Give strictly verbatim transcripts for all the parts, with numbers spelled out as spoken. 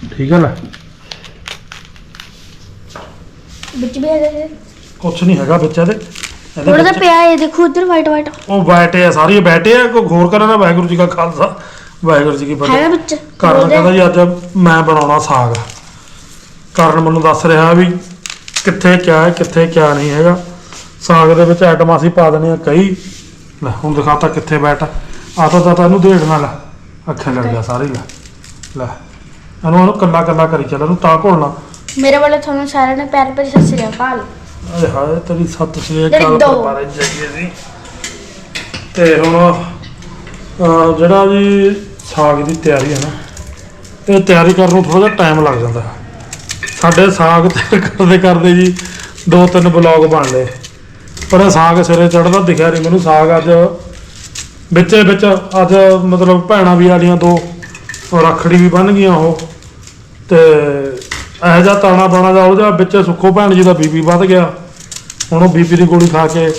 ठीक है ना ਵਿੱਚ ਵੀ ਹੈਗਾ कुछ नहीं हैगा बिच ਇਹਦੇ ਥੋੜਾ ਜਿਹਾ ਪਿਆ ਹੈ ਦੇਖੋ ਉਧਰ ਵਾਈਟ ਵਾਈਟ ਉਹ ਬੈਠੇ ਆ ਸਾਰੀ ਬੈਠੇ ਆ ਕੋਈ ਹੋਰ ਕਰਨ ਦਾ ਵਾਹਿਗੁਰੂ ਜੀ ਕਾ ਖਾਲਸਾ ਵਾਹਿਗੁਰੂ ਜੀ ਕੀ ਹੈਗਾ ਫਤਿਹ ਵਿੱਚ ਕਰਨ ਕਹਿੰਦਾ ਜੀ ਅੱਜ ਮੈਂ ਬਣਾਉਣਾ ਸਾਗ ਕਰਨ ਮੈਨੂੰ ਦੱਸ ਰਿਹਾ ਵੀ ਕਿੱਥੇ ਕਿਆ ਹੈ ਕਿੱਥੇ ਕਿਆ ਨਹੀਂ ਹੈਗਾ ਸਾਗ ਦੇ ਵਿੱਚ ਆਈਟਮਾਂ ਅਸੀਂ ਪਾ ਦੇਣੀਆਂ ਕਈ ਲੈ ਹੁਣ ਦਿਖਾਤਾ ਕਿੱਥੇ ਬੈਠ ਆਤਾ ਤਾਂ ਇਹਨੂੰ ਢੇੜ ਨਾਲ ਅੱਖਾਂ ਲੜ ਗਿਆ ਸਾਰੇ ਲੈ ਲੈ ਇਹਨੂੰ ਉਹਨੂੰ ਕੱਲਾ ਕੱਲਾ ਕਰੀ ਚੱਲ ਇਹਨੂੰ ਤਾਂ ਘੋਲਣਾ ਮੇਰੇ ਵੱਲੋਂ ਤੁਹਾਨੂੰ ਸਾਰਿਆਂ ਨੂੰ ਪਿਆਰ ਭਰੀ ਸਤਿ ਸ੍ਰੀ ਅਕਾਲ ਆਏ ਹਾਏ ਤੇਰੀ ਸੱਤ ਸ੍ਰੀ ਅਕਾਲ ਪਰਪਾਰੇ ਜਾਈਏ ਸੀ ਤੇ ਹੁਣ ਅਹ ਜਿਹੜਾ ਜੀ ਸਾਗ ਦੀ ਤਿਆਰੀ ਹੈ ਨਾ ਇਹ ਤਿਆਰੀ ਕਰਨ ਨੂੰ ਥੋੜਾ ਜਿਹਾ ਟਾਈਮ ਲੱਗ ਜਾਂਦਾ ਸਾਡੇ ਸਾਗ ਤੇ ਕਰਦੇ ਕਰਦੇ ਜੀ ਦੋ ਤਿੰਨ ਬਲੌਗ ਬਣ ਲਏ ਪਰ ਇਹ ਸਾਗ ਸਿਰੇ ਚੜਦਾ ਦਿਖਿਆ ਨਹੀਂ ਮੈਨੂੰ ਸਾਗ ਅੱਜ ਵਿੱਚੇ ਵਿੱਚ ਅੱਜ ਮਤਲਬ ਭੈਣਾਂ ਵੀ ਆਲੀਆਂ ਦੋ ਰੱਖੜੀ ਵੀ ਬੰਨ ਗਈਆਂ ਉਹ ਤੇ ਇਹੋ ਜਿਹਾ ਤਾਣਾ ਬਾਣਾ ਦਾ ਉਹ ਜਿਹਾ ਵਿੱਚ ਸੁੱਖੋ ਭੈਣ ਜੀ ਦਾ ਬੀਪੀ ਵੱਧ ਗਿਆ ਹੁਣ ਉਹ ਬੀਪੀ ਦੀ ਗੋਲੀ ਖਾ ਕੇ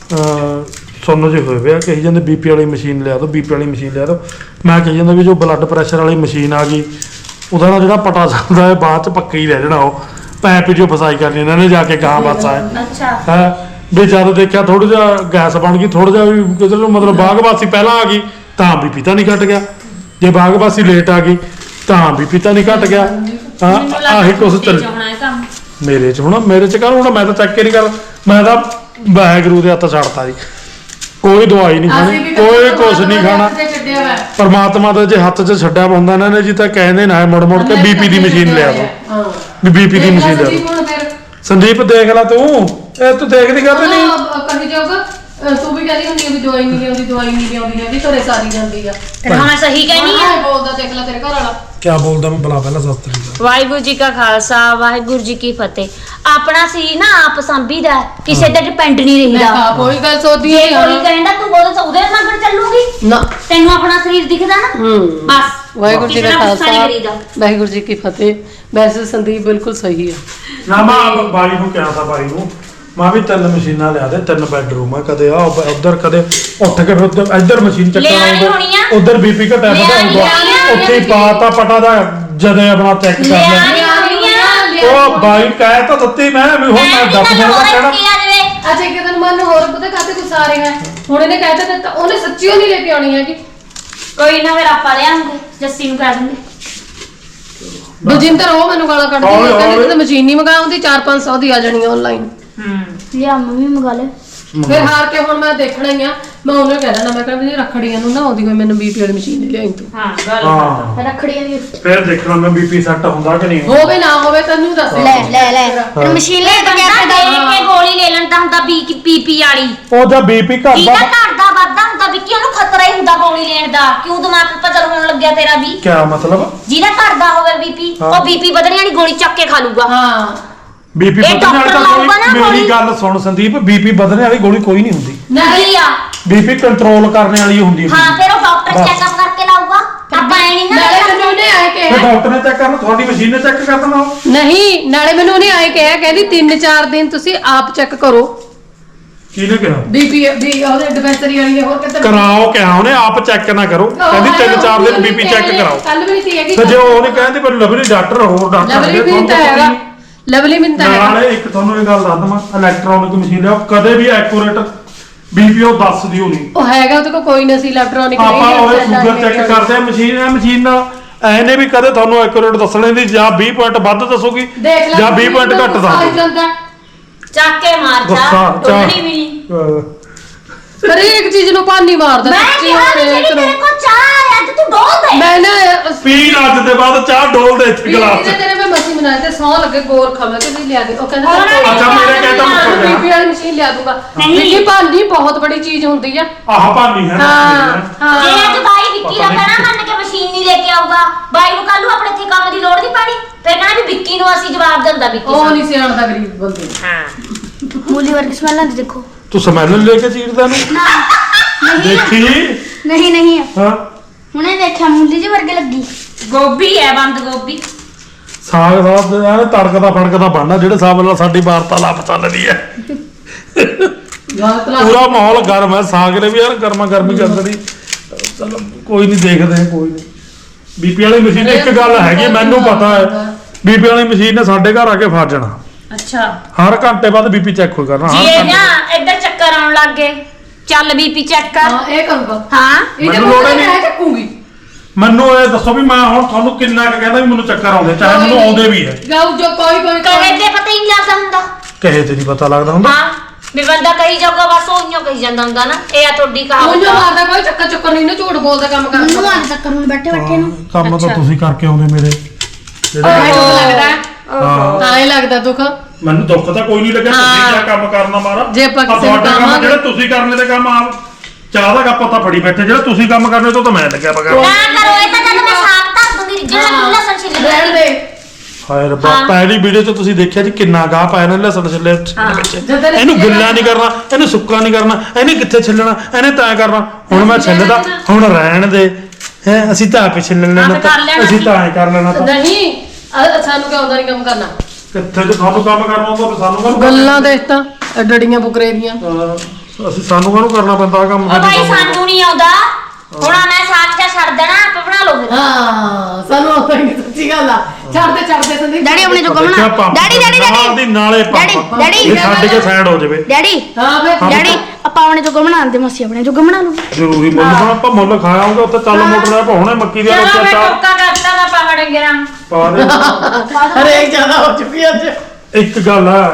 ਸੁੰਨ ਜਿਹੇ ਹੋਏ ਪਿਆ ਕਹੀ ਜਾਂਦੇ ਬੀਪੀ ਵਾਲੀ ਮਸ਼ੀਨ ਲਿਆ ਦੋ ਬੀਪੀ ਵਾਲੀ ਮਸ਼ੀਨ ਲਿਆ ਦੋ ਮੈਂ ਕਹੀ ਜਾਂਦਾ ਵੀ ਜੋ ਬਲੱਡ ਪ੍ਰੈਸ਼ਰ ਵਾਲੀ ਮਸ਼ੀਨ ਆ ਗਈ ਉਹਦਾ ਨਾਲ ਜਿਹੜਾ ਪਟਾ ਜਾਂਦਾ ਹੈ ਬਾਅਦ ਚ ਪੱਕਾ ਹੀ ਰਹਿ ਜਾਣਾ ਉਹ ਪੈਪ ਜੋ ਫਸਾਈ ਕਰਨੀ ਇਹਨਾਂ ਨੇ ਜਾ ਕੇ ਗਾਂ ਬਾਸਾ ਹੈ ਅੱਛਾ ਹੈ ਵੀ ਜਦ ਦੇਖਿਆ ਥੋੜਾ ਜਿਹਾ ਗੈਸ ਬਣ ਗਈ ਥੋੜਾ ਜਿਹਾ ਵੀ ਕਿਤੇ ਮਤਲਬ ਬਾਗਵਾਸੀ ਪਹਿਲਾਂ ਆ ਗਈ ਤਾਂ ਬੀਪੀ ਤਾਂ ਨਹੀਂ ਘਟ ਗਿਆ ਜੇ ਬਾਗਵਾਸੀ ਲੇਟ ਆ ਗਈ ਤਾਂ ਬੀਪੀ ਤਾਂ ਨਹੀਂ ਘਟ ਗਿਆ ਹਾਂ ਆਹੀ ਕੁਛ ਚੱਲ ਮੇਰੇ ਚ ਹੁਣ ਮੇਰੇ ਚ ਕਰ ਹੁਣ ਮੈਂ ਤਾਂ ਚੱਕ ਹੀ ਨਹੀਂ ਕਰ ਮੈਂ ਤਾਂ ਵਾਹਿਗੁਰੂ ਦੇ ਹੱਥ ਛੱਡਤਾ ਜੀ ਕੋਈ ਦਵਾਈ ਨਹੀਂ ਖਾਣੀ ਕੋਈ ਕੁਛ ਨਹੀਂ ਖਾਣਾ ਪਰਮਾਤਮਾ ਦਾ ਜੇ ਹੱਥ 'ਚ ਛੱਡਿਆ ਹੁੰਦਾ ਇਹਨਾਂ ਨੇ ਜੀ ਤਾਂ ਕਹਿੰਦੇ ਨਾ ਮੁੜ ਮੁੜ ਕੇ ਬੀਪੀ ਦੀ ਮਸ਼ੀਨ ਲਿਆ ਦੋ ਵੀ ਬੀਪੀ ਦੀ ਮਸ਼ੀਨ ਲਿਆ ਦੋ ਸੰਦੀਪ ਦੇਖ ਲੈ ਤੂੰ ਇਹ ਤੂੰ ਦੇਖਦੀ ਕਰਦੇ ਨਹੀਂ ਕਹੀ ਜਾਊਗਾ ਤੂੰ ਵੀ ਕਹਿੰਦੀ ਹੁੰਦੀ ਵੀ ਦਵਾਈ ਨਹੀਂ ਲਿਆਉਂਦੀ ਦਵਾਈ ਨਹੀਂ ਲਿਆਉਂਦੀ ਹੈਗੀ ਘਰੇ ਸਾਰੀ ਜਾਂਦੀ ਆ ਫਿਰ ਹਾਂ ਸਹੀ ਕਹਿਨੀ ਆ ਬੋਲਦਾ ਦੇਖ ਲੈ ਤੇਰੇ ਘਰ ਵਾਲਾ ਕੀ ਬੋਲਦਾ ਮੈਂ ਬਲਾ ਪਹਿਲਾਂ ਸਸਤਰੀ ਦਾ ਵਾਹਿਗੁਰੂ ਜੀ ਕਾ ਖਾਲਸਾ ਵਾਹਿਗੁਰੂ ਜੀ ਕੀ ਫਤਿਹ ਆਪਣਾ ਸੀ ਨਾ ਆਪ ਸੰਭੀਦਾ ਕਿਸੇ ਤੇ ਡਿਪੈਂਡ ਨਹੀਂ ਰਹੀਦਾ ਮੈਂ ਕੋਈ ਗੱਲ ਸੋਚਦੀ ਜੇ ਨਹੀਂ ਕੋਈ ਕਹਿੰਦਾ ਤੂੰ ਉਹਦੇ ਉਹਦੇ ਮਗਰ ਚੱਲੂਗੀ ਨਾ ਤੈਨੂੰ ਆਪਣਾ ਸਰੀਰ ਦਿਖਦਾ ਨਾ ਬਸ ਵਾਹਿਗੁਰੂ ਜੀ ਕਿਸੇ ਦਾ ਨਾਲ ਗੁੱਸਾ ਨਹੀਂ ਖਾਲਸਾ ਕਰੀਦਾ। ਵਾਹਿਗੁਰੂ ਜੀ ਕੀ ਫਤਿਹ ਵੈਸੇ ਸੰਦੀਪ ਬਿਲਕੁਲ ਸਹੀ ਹੈ ਨਾ ਮੈਂ ਬਾਈ ਨੂੰ ਕਿਹਾ ਤਾਂ ਬਾਈ ਨੂੰ ਮੈਂ ਵੀ ਤਿੰਨ ਮਸ਼ੀਨਾਂ ਲਿਆ ਦੇ ਤਿੰਨ ਬੈਡਰੂਮ ਆ ਕਦੇ ਆ ਉਧਰ ਕਦੇ ਉੱਠ ਕੇ ਫਿਰ ਇੱਧਰ ਮਸ਼ੀਨ ਚੱਕਣਾ ਉਧਰ ਬੀਪੀ ਘਟਿਆ ਪਤਾ ਹੋਊਗਾ ਉੱਥੇ ਪਾਤਾ ਪਟਾ ਦਾ ਜਦੇ ਆਪਣਾ ਚੈੱਕ ਕਰ ਲਿਆ ਉਹ ਬਾਈ ਕਹਿ ਤਾਂ ਦਿੱਤੀ ਮੈਂ ਵੀ ਹੁਣ ਮੈਂ ਦੱਸ ਦਿਨ ਦਾ ਕਹਿਣਾ ਅੱਛਾ ਇੱਕ ਦਿਨ ਮਨ ਹੋਰ ਪਤਾ ਕਾਤੇ ਕੁਛ ਆ ਰਿਹਾ ਹੁਣ ਇਹਨੇ ਕਹਿ ਤਾ ਦਿੱਤਾ ਉਹਨੇ ਸੱਚੀਓ ਨਹੀਂ ਲੈ ਕੇ ਆਉਣੀ ਹੈਗੀ ਕੋਈ ਨਾ ਫਿਰ ਆਪਾਂ ਲਿਆਂਗੇ ਜੱਸੀ ਨੂੰ ਕਹਿ ਦਿੰਦੇ ਬਲਜਿੰਦਰ ਉਹ ਮੈਨੂੰ ਗਾਲਾਂ ਕੱਢਦੀ ਹੈ ਕਹਿੰਦੀ ਤੇ ਮਸ਼ੀਨ ਨਹੀਂ ਮੰਗਾਉਂਦੀ ਚਾਰ ਪੰਜ ਸੌ ਦੀ ਆ ਜਾਣੀ ਆਨਲਾਈਨ ਹੂੰ ਲਿਆ ਮੰਮੀ ਮੰਗਾ ਲੈ ਫਿਰ ਹਾਰ ਕੇ ਹੁਣ ਮੈਂ ਦੇਖਣਾ ਹੀ ਆ ਮੈਂ ਉਹਨੂੰ ਕਹਿ ਦਿੰਦਾ ਮੈਂ ਕਹਿੰਦਾ ਵੀ ਰੱਖੜੀਆਂ ਨੂੰ ਨਾ ਆਉਂਦੀ ਹੋਈ ਮੈਨੂੰ ਬੀਪੀ ਵਾਲੀ ਮਸ਼ੀਨ ਨਹੀਂ ਲਿਆਈ ਤੂੰ ਹਾਂ ਗੱਲ ਹਾਂ ਰੱਖੜੀਆਂ ਦੀ ਗਿਫਟ ਫਿਰ ਦੇਖਣਾ ਮੈਂ ਬੀਪੀ ਸੈੱਟ ਹੁੰਦਾ ਕਿ ਨਹੀਂ ਹੋਵੇ ਨਾ ਹੋਵੇ ਤੈਨੂੰ ਦੱਸ ਲੈ ਲੈ ਲੈ ਮਸ਼ੀਨ ਲੈ ਕੇ ਬੰਦਾ ਦੇਖ ਕੇ ਗੋਲੀ ਲੈ ਲੈਂਦਾ ਹੁੰਦਾ ਬੀ ਕੀ ਪੀਪੀ ਵਾਲੀ ਉਹ ਜਦ ਬੀਪੀ ਘਟਦਾ ਜਿਹਦਾ ਘਟਦਾ ਵੱਧਦਾ ਹੁੰਦਾ ਵੀ ਕਿ ਉਹਨੂੰ ਖਤਰਾ ਹੀ ਹੁੰਦਾ ਗੋਲੀ ਲੈਣ ਦਾ ਕਿਉਂ ਦਿਮਾਗ ਪਜਲ ਹੋਣ ਲੱਗਿਆ ਤੇਰਾ ਵੀ ਕੀ ਮਤਲਬ ਜਿਹਦਾ ਘਟਦਾ ਹੋਵੇ ਬੀਪੀ ਉਹ ਬੀਪੀ ਵਧਣੇ ਵਾਲੀ ਗੋਲੀ ਚੱਕ ਕੇ ਖਾ ਲੂਗਾ ਹਾਂ ਬੀਪੀ ਇਹ ਵਧਣ ਵਾਲੀ ਡਾਕਟਰ ਤਾਂ ਲਾਊਗਾ ਨਾ ਕੋਈ ਮੇਰੀ ਗੋਲੀ। ਗੱਲ ਸੁਣ ਸੰਦੀਪ ਬੀਪੀ ਵਧਣ ਵਾਲੀ ਗੋਲੀ ਕੋਈ ਨਹੀਂ ਹੁੰਦੀ ਨਹੀਂ ਆ ਬੀਪੀ ਕੰਟਰੋਲ ਕਰਨ ਵਾਲੀ ਹੁੰਦੀ ਹਾਂ ਫਿਰ ਉਹ ਡਾਕਟਰ ਬਸ। ਚੈੱਕਅਪ ਕਰਕੇ ਲਾਊਗਾ ਆਪਾਂ ਐ ਨਹੀਂ ਨਾ ਨਾਲੇ ਮੈਨੂੰ ਉਹਨੇ ਆਏ ਫਿਰ ਕਿਹਾ ਡਾਕਟਰ ਨੇ ਚੈੱਕ ਕਰਨਾ ਤੁਹਾਡੀ ਮਸ਼ੀਨ ਨੇ ਚੈੱਕ ਕਰ ਦੇਣਾ ਉਹ। ਨਹੀਂ ਨਾਲੇ ਮੈਨੂੰ ਉਹਨੇ ਆਏ ਕਿਹਾ ਕਹਿੰਦੀ ਤਿੰਨ ਚਾਰ ਦਿਨ ਤੁਸੀਂ ਆਪ ਚੈੱਕ ਕਰੋ ਕਿਹਨੇ ਕਿਹਾ ਬੀਪੀ ਵੀ ਉਹਦੇ ਡਿਸਪੈਂਸਰੀ ਵਾਲੀ ਨੇ ਹੋਰ ਕਿਤੇ ਕਰਾਓ ਕਿਹਾ ਉਹਨੇ ਆਪ ਚੈੱਕ ਨਾ ਕਰੋ ਕਹਿੰਦੀ ਤਿੰਨ ਚਾਰ ਦਿਨ ਬੀਪੀ ਚੈੱਕ ਕਰਾਓ ਕੱਲ ਵੀ ਨਹੀਂ ਹੈਗੀ ਤੇ ਜੇ ਉਹ ਨਹੀਂ ਕਹਿੰਦੀ ਪਰ ਲਵਲੀ ਡਾਕਟਰ ਹੋਰ ਡਾਕਟਰ ਲਵਲੀ ਵੀ ਤਾਂ ਹੈਗਾ ਲਵਲੀ ਵੀ ਤਾਂ ਹੈਗਾ ਨਾਲੇ ਇੱਕ ਤੁਹਾਨੂੰ ਇਹ ਗੱਲ ਦੱਸ ਦਵਾਂ ਇਲੈਕਟ੍ਰੋਨਿਕ ਮਸ਼ੀਨ ਲਿਆਓ ਕਦੇ ਵੀ ਐਕੂਰੇਟ ਬੀਪੀ ਉਹ ਦੱਸਦੀ ਹੋਣੀ ਉਹ ਹੈਗਾ ਉਹਦੇ ਕੋਲ ਕੋਈ ਨਹੀਂ ਸੀ ਇਲੈਕਟ੍ਰੋਨਿਕ ਆਪਾਂ ਉਹਦੇ ਸ਼ੂਗਰ ਚੈੱਕ ਕਰਦੇ ਆ ਮਸ਼ੀਨ ਆ ਮਸ਼ੀਨ ਨਾਲ ਐਨੇ ਵੀ ਕਦੇ ਤੁਹਾਨੂੰ ਐਕੂਰੇਟ ਦੱਸਣੇ ਦੀ ਜਾਂ ਵੀਹ ਪੁਆਇੰਟ ਵੱਧ ਦੱਸੂਗੀ ਦੇਖ ਲੈ ਜਾਂ ਵੀਹ ਪੁਆਇੰਟ ਘੱਟ ਦੱਸੂਗੀ ਚੱਕ ਕੇ ਮਾਰ ਜਾ ਗੁੱਸਾ, ਟੋਲਣੀ ਵੀ ਨਹੀਂ ਅਹ ਹਰੇਕ ਚੀਜ਼ ਨੂੰ ਪਾਣੀ ਮਾਰਦਾ ਮੈਂ ਸੱਚੀ ਕਿਹਾ ਵੀ ਹੋਵੇ ਜਿਹੜੀ ਤੇਰੇ ਕੋਲ ਚਾਹ ਹੈ ਅੱਜ ਤੂੰ ਡੋਲ ਦੇ ਮੈਂ ਨਾ ਪੀਣ ਅੱਜ ਦੇ ਬਾਅਦ ਚਾਹ ਡੋਲ ਦੇ ਇੱਥੇ ਗਲਾਸ ਵੀਰੇ ਚ ਤੇਰੇ ਮੈਂ ਮਸੀਂ ਬਣਾਇਆ ਤੇ ਸੌ ਲੱਗੇ ਗੋਰ ਖਮੇ ਕਿ ਲਿਆ ਦੇ ਉਹ ਕਹਿੰਦਾ ਹੋਰ ਨਾ ਅੱਛਾ ਮੇਰੇ ਕਹਿਤਾ ਮੁੱਕਰ ਗਿਆ ਬੀਪੀ ਵਾਲੀ ਮਸ਼ੀਨ ਲਿਆ ਦੂੰਗਾ ਨਹੀਂ। ਬੀਪੀ ਭਾਂਡੀ ਬਹੁਤ ਬੜੀ ਚੀਜ਼ ਹੁੰਦੀ ਆ ਆਹ ਭਾਨੀ ਹੈ ਨਾ ਹਾਂ ਜੇ ਹਾਂ ਅੱਜ ਬਾਈ ਵਿੱਕੀ ਦਾ ਕਹਿਣਾ ਮੰਨ ਕੇ ਮਸ਼ੀਨ ਨਹੀਂ ਲੈ ਕੇ ਆਊਗਾ ਬਾਈ ਨੂੰ ਕੱਲ ਨੂੰ ਆਪਣੇ ਇੱਥੇ ਕੰਮ ਦੀ ਲੋੜ ਨਹੀਂ ਪੈਣੀ ਫਿਰ ਕਹਿਣਾ ਵੀ ਵਿੱਕੀ ਨੂੰ ਅਸੀਂ ਜਵਾਬ ਦਿੰਦਾ ਵਿੱਕੀ ਉਹ ਨਹੀਂ ਸਿਆਣਦਾ ਗਰੀਬ ਬੰਦੇ ਨੂੰ। ਹਾਂ ਮੂਲੀ ਵਰਗੀ ਸਮੈਲ ਆਉਂਦੀ ਦੇਖੋ ਤੂੰ ਸਮੈਲ ਲੈ ਕੇ ਚੀਰਦਾ ਨੂੰ ਨਹੀਂ ਦੇਖੀ ਨਹੀਂ ਨਹੀਂ ਹਾਂ ਹੁਣੇ ਦੇਖਿਆ ਮੂਲੀ ਜੀ ਵਰਗੇ ਲੱਗੀ ਗੋਭੀ ਹੈ ਬੰਦ ਗੋਭੀ ਸਾਗ ਸਾਗ ਐ ਤੜਕਦਾ ਫੜਕਦਾ ਬਣਨਾ ਜਿਹੜੇ ਹਿਸਾਬ ਨਾਲ ਸਾਡੀ ਵਾਰਤਾਲਾਪ ਚੱਲਦੀ ਹੈ ਗਲਤ ਲੱਗ ਪੂਰਾ ਮਾਹੌਲ ਗਰਮ ਹੈ ਸਾਗ ਨੇ ਵੀ ਯਾਰ ਗਰਮਾ ਗਰਮੀ ਚੱਲਦੀ ਚਲੋ ਕੋਈ ਨਹੀਂ ਦੇਖਦੇ ਹਾਂ, ਕੋਈ ਨਹੀਂ ਬੀਪੀ ਵਾਲੀ ਮਸ਼ੀਨ ਇੱਕ ਗੱਲ ਹੈਗੀ ਮੈਨੂੰ ਪਤਾ ਹੈ ਬੀਪੀ ਵਾਲੀ ਮਸ਼ੀਨ ਨੇ ਸਾਡੇ ਘਰ ਆ ਕੇ ਫਸ ਜਾਣਾ ਅੱਛਾ ਹਰ ਘੰਟੇ ਬਾਅਦ ਬੀਪੀ ਚੈੱਕ ਹੋ ਕਰਨਾ ਜੀ ਹਰ ਇਹ ਘੰਟੇ ਨਾ ਇੱਧਰ ਚੱਕਰ ਆਉਣ ਲੱਗ ਗਏ ਚੱਲ ਬੀਪੀ ਚੈੱਕ ਕਰ ਹਾਂ ਇਹ ਕਰੂਗਾ ਹਾਂ ਇਹ ਮੈਨੂੰ ਜੇ ਲੋੜ ਮੈਂ ਹੀ ਨਹੀਂ। ਚੱਕੂਗੀ ਮੈਨੂੰ ਇਹ ਦੱਸੋ ਵੀ ਮੈਂ ਹੁਣ ਤੁਹਾਨੂੰ ਕਿੰਨਾ ਕੁ ਕਹਿੰਦਾ ਵੀ ਮੈਨੂੰ ਚੱਕਰ ਆਉਂਦੇ ਚਾਹੇ ਮੈਨੂੰ ਆਉਂਦੇ ਵੀ ਹੈ ਗਾਉ ਜੋ ਕੋਈ ਕੋਈ ਕਹੇ ਤੇ ਪਤਾ ਹੀ ਨਹੀਂ ਲੱਗਦਾ ਹੁੰਦਾ ਕਹੇ ਤੇ ਨਹੀਂ ਪਤਾ ਲੱਗਦਾ ਹੁੰਦਾ ਹਾਂ ਵੀ ਬੰਦਾ ਕਹੀ ਜਾਊਗਾ ਬਸ ਉਹਨੂੰ ਕਹੀ ਜਾਂਦਾ ਹੁੰਦਾ ਨਾ ਇਹ ਆ ਤੁਹਾਡੀ ਉਹ ਕਹਾਵਤ ਜੋ ਆ। ਮਾਰਦਾ ਕੋਈ ਚੱਕਰ ਚੱਕਰ ਨਹੀਂ ਨਾ ਝੂਠ ਬੋਲਦਾ ਕੰਮ ਮੈਨੂੰ ਕਰਦਾ ਆਣ ਤੱਕ ਹੁਣ ਬੈਠੇ ਬੈਠੇ ਨੂੰ ਹਾਂ, ਕੰਮ ਤਾਂ ਅੱਛਾ। ਤੁਸੀਂ ਕਰਕੇ ਆਉਂਦੇ ਮੇਰੇ ਜਿਹੜੇ ਆਏ ਦੁੱਖ ਲੱਗਦਾ ਹਾਂ ਤਾਂ ਹੀ ਲੱਗਦਾ ਦੁੱਖ ਮੈਨੂੰ ਦੁੱਖ ਤਾਂ ਕੋਈ ਨਹੀਂ ਲੱਗਿਆ ਤੁਸੀਂ ਹਾਂ। ਕਿਆ ਕੰਮ ਕਰਨਾ ਮਾਰਾ ਜੇ ਆਪਾਂ ਆਹ ਕਿਸੇ ਨੂੰ ਤੁਹਾਡਾ ਕੰਮ ਕਹਾਂਗੇ- ਜਿਹੜੇ ਤੁਸੀਂ ਕਰਨੇ ਦੇ ਕੰਮ ਆ ਚਾਹ ਦਾ ਕੱਪ ਤਾਂ ਫੜੀ ਬੈਠੇ ਜਿਹੜਾ ਤੁਸੀਂ ਕੰਮ ਕਰਨੇ ਤੋਂ ਤਾਂ ਮੈਂ ਲੱਗਿਆ ਬਗਾ ਨਾ ਕਰੋ ਇਹ ਤਾਂ ਜਦ ਮੈਂ ਸਾਗ ਧਰ ਦੂੰਗੀ ਜਿਹੜਾ ਹਾਂ। ਲਸਣ ਛਿੱਲ ਰਹਿਣ ਦੇ ਹਾਏ ਰੱਬਾ ਹਾਂ। ਪਹਿਲੀ ਵੀਡੀਓ 'ਚ ਤੁਸੀਂ ਦੇਖਿਆ ਜੀ ਕਿੰਨਾ ਗਾਹ ਪਾਇਆ ਨੇ ਲਸਣ ਛਿੱਲੇ ਹਾਂ। ਵਿੱਚ ਜਦੋਂ ਇਹਨੇ ਇਹਨੂੰ ਗਿੱਲਾ ਛਿੱਲਣਾ ਨਹੀਂ ਕਰਨਾ ਇਹਨੂੰ ਸੁੱਕਾ ਨਹੀਂ ਕਰਨਾ ਇਹਨੇ ਕਿੱਥੇ ਛਿੱਲਣਾ ਇਹਨੇ ਤਾਂ ਕਰਨਾ ਹੁਣ ਮੈਂ ਛਿੱਲਦਾ ਹੁਣ ਰਹਿਣ ਦੇ ਹੈ ਅਸੀਂ ਤਾਂ ਆਪੇ ਛਿੱਲ ਲੈਣਾ ਆਪੇ ਕਰ ਲੈਣਾ ਅਸੀਂ ਸੀ। ਤਾਂ ਐ ਕਰ ਲੈਣਾ ਤਾਂ ਨਹੀਂ ਅ- ਸਾਨੂੰ ਕਿਉਂ ਆਉਂਦਾ ਨਹੀਂ ਕੰਮ ਕਰਨਾ ਕਿੱਥੇ ਜੇ ਤੁਹਾਨੂੰ ਕੰਮ ਕਰਨਾ ਹੁੰਦਾ ਫਿਰ ਸਾਨੂੰ ਕਾਹਨੂੰ ਗੱਲਾਂ ਦੇਖ ਤਾਂ ਡੜੀਆਂ ਬੁਕਰੇ ਦੀਆਂ ਅਹ ਅਸੀਂ ਸਾਨੂੰ ਕਾਹਨੂੰ ਕਰਨਾ ਪੈਂਦਾ ਆਹ ਕੰਮ ਉਹ ਸਾਡੇ ਭਾਈ ਕੰਮ ਸਾਨੂੰ ਨਹੀਂ ਆਉਂਦਾ ਹੁਣ ਆਹ ਮੈਂ ਸਾਗ ਚਾ ਛੱਡ ਦੇਣਾ ਆਪੇ ਬਣਾ ਲਓ ਫਿਰ ਹਾਂ ਸਾਨੂੰ ਆਉਂਦਾ ਨਹੀਂ ਸੱਚੀ ਗੱਲ ਆ ਛੱਡਦੇ ਛੱਡਦੇ ਸੰਦੀਪ ਡੈਡੀ ਆਪਣੇ ਜੋ ਦੇਖਿਆ ਗਮਣਾ ਪੰਪ ਡੈਡੀ ਡੈਡੀ ਨਾਲ ਡੈਡੀ ਦੀ ਨਾਲੇ ਡੈਡੀ, ਪੰਪ ਡੈਡੀ। ਇਹ ਛੱਡ ਕੇ ਸਾਈਡ ਹੋ ਜਾਵੇ ਡੈਡੀ ਹਾਂ ਫਿਰ ਡੈਡੀ ਆਪਾਂ ਆਪਣੇ ਜੋ ਗਮਣਾ ਆਂਦੇ ਮਸੀ ਆਪਣੇ ਜੋ ਗਮਣਾ ਲੂ ਜ਼ਰੂਰੀ ਮੁੱਲ ਹੁਣ ਆਪਾਂ ਮੁੱਲ ਖਾਇਆ ਆਉਂਗਾ ਉੱਥੇ ਚੱਲ ਮੋਟਰ ਦਾ ਪਾਉਣੇ ਮੱਕੀ ਦੀਆਂ ਚਲੋ ਰੋਟੀਆਂ ਮੈਂ ਚਾਰ ਟੋਕਾ ਕਰਤਾ ਦਾ ਪਹਾੜ ਗਿਰਾਂ ਪਾ ਦੇ ਹਰੇਕ ਜ਼ਿਆਦਾ ਹੋ ਚੁੱਕੀ ਅੱਜ ਇੱਕ ਗੱਲ ਹੈ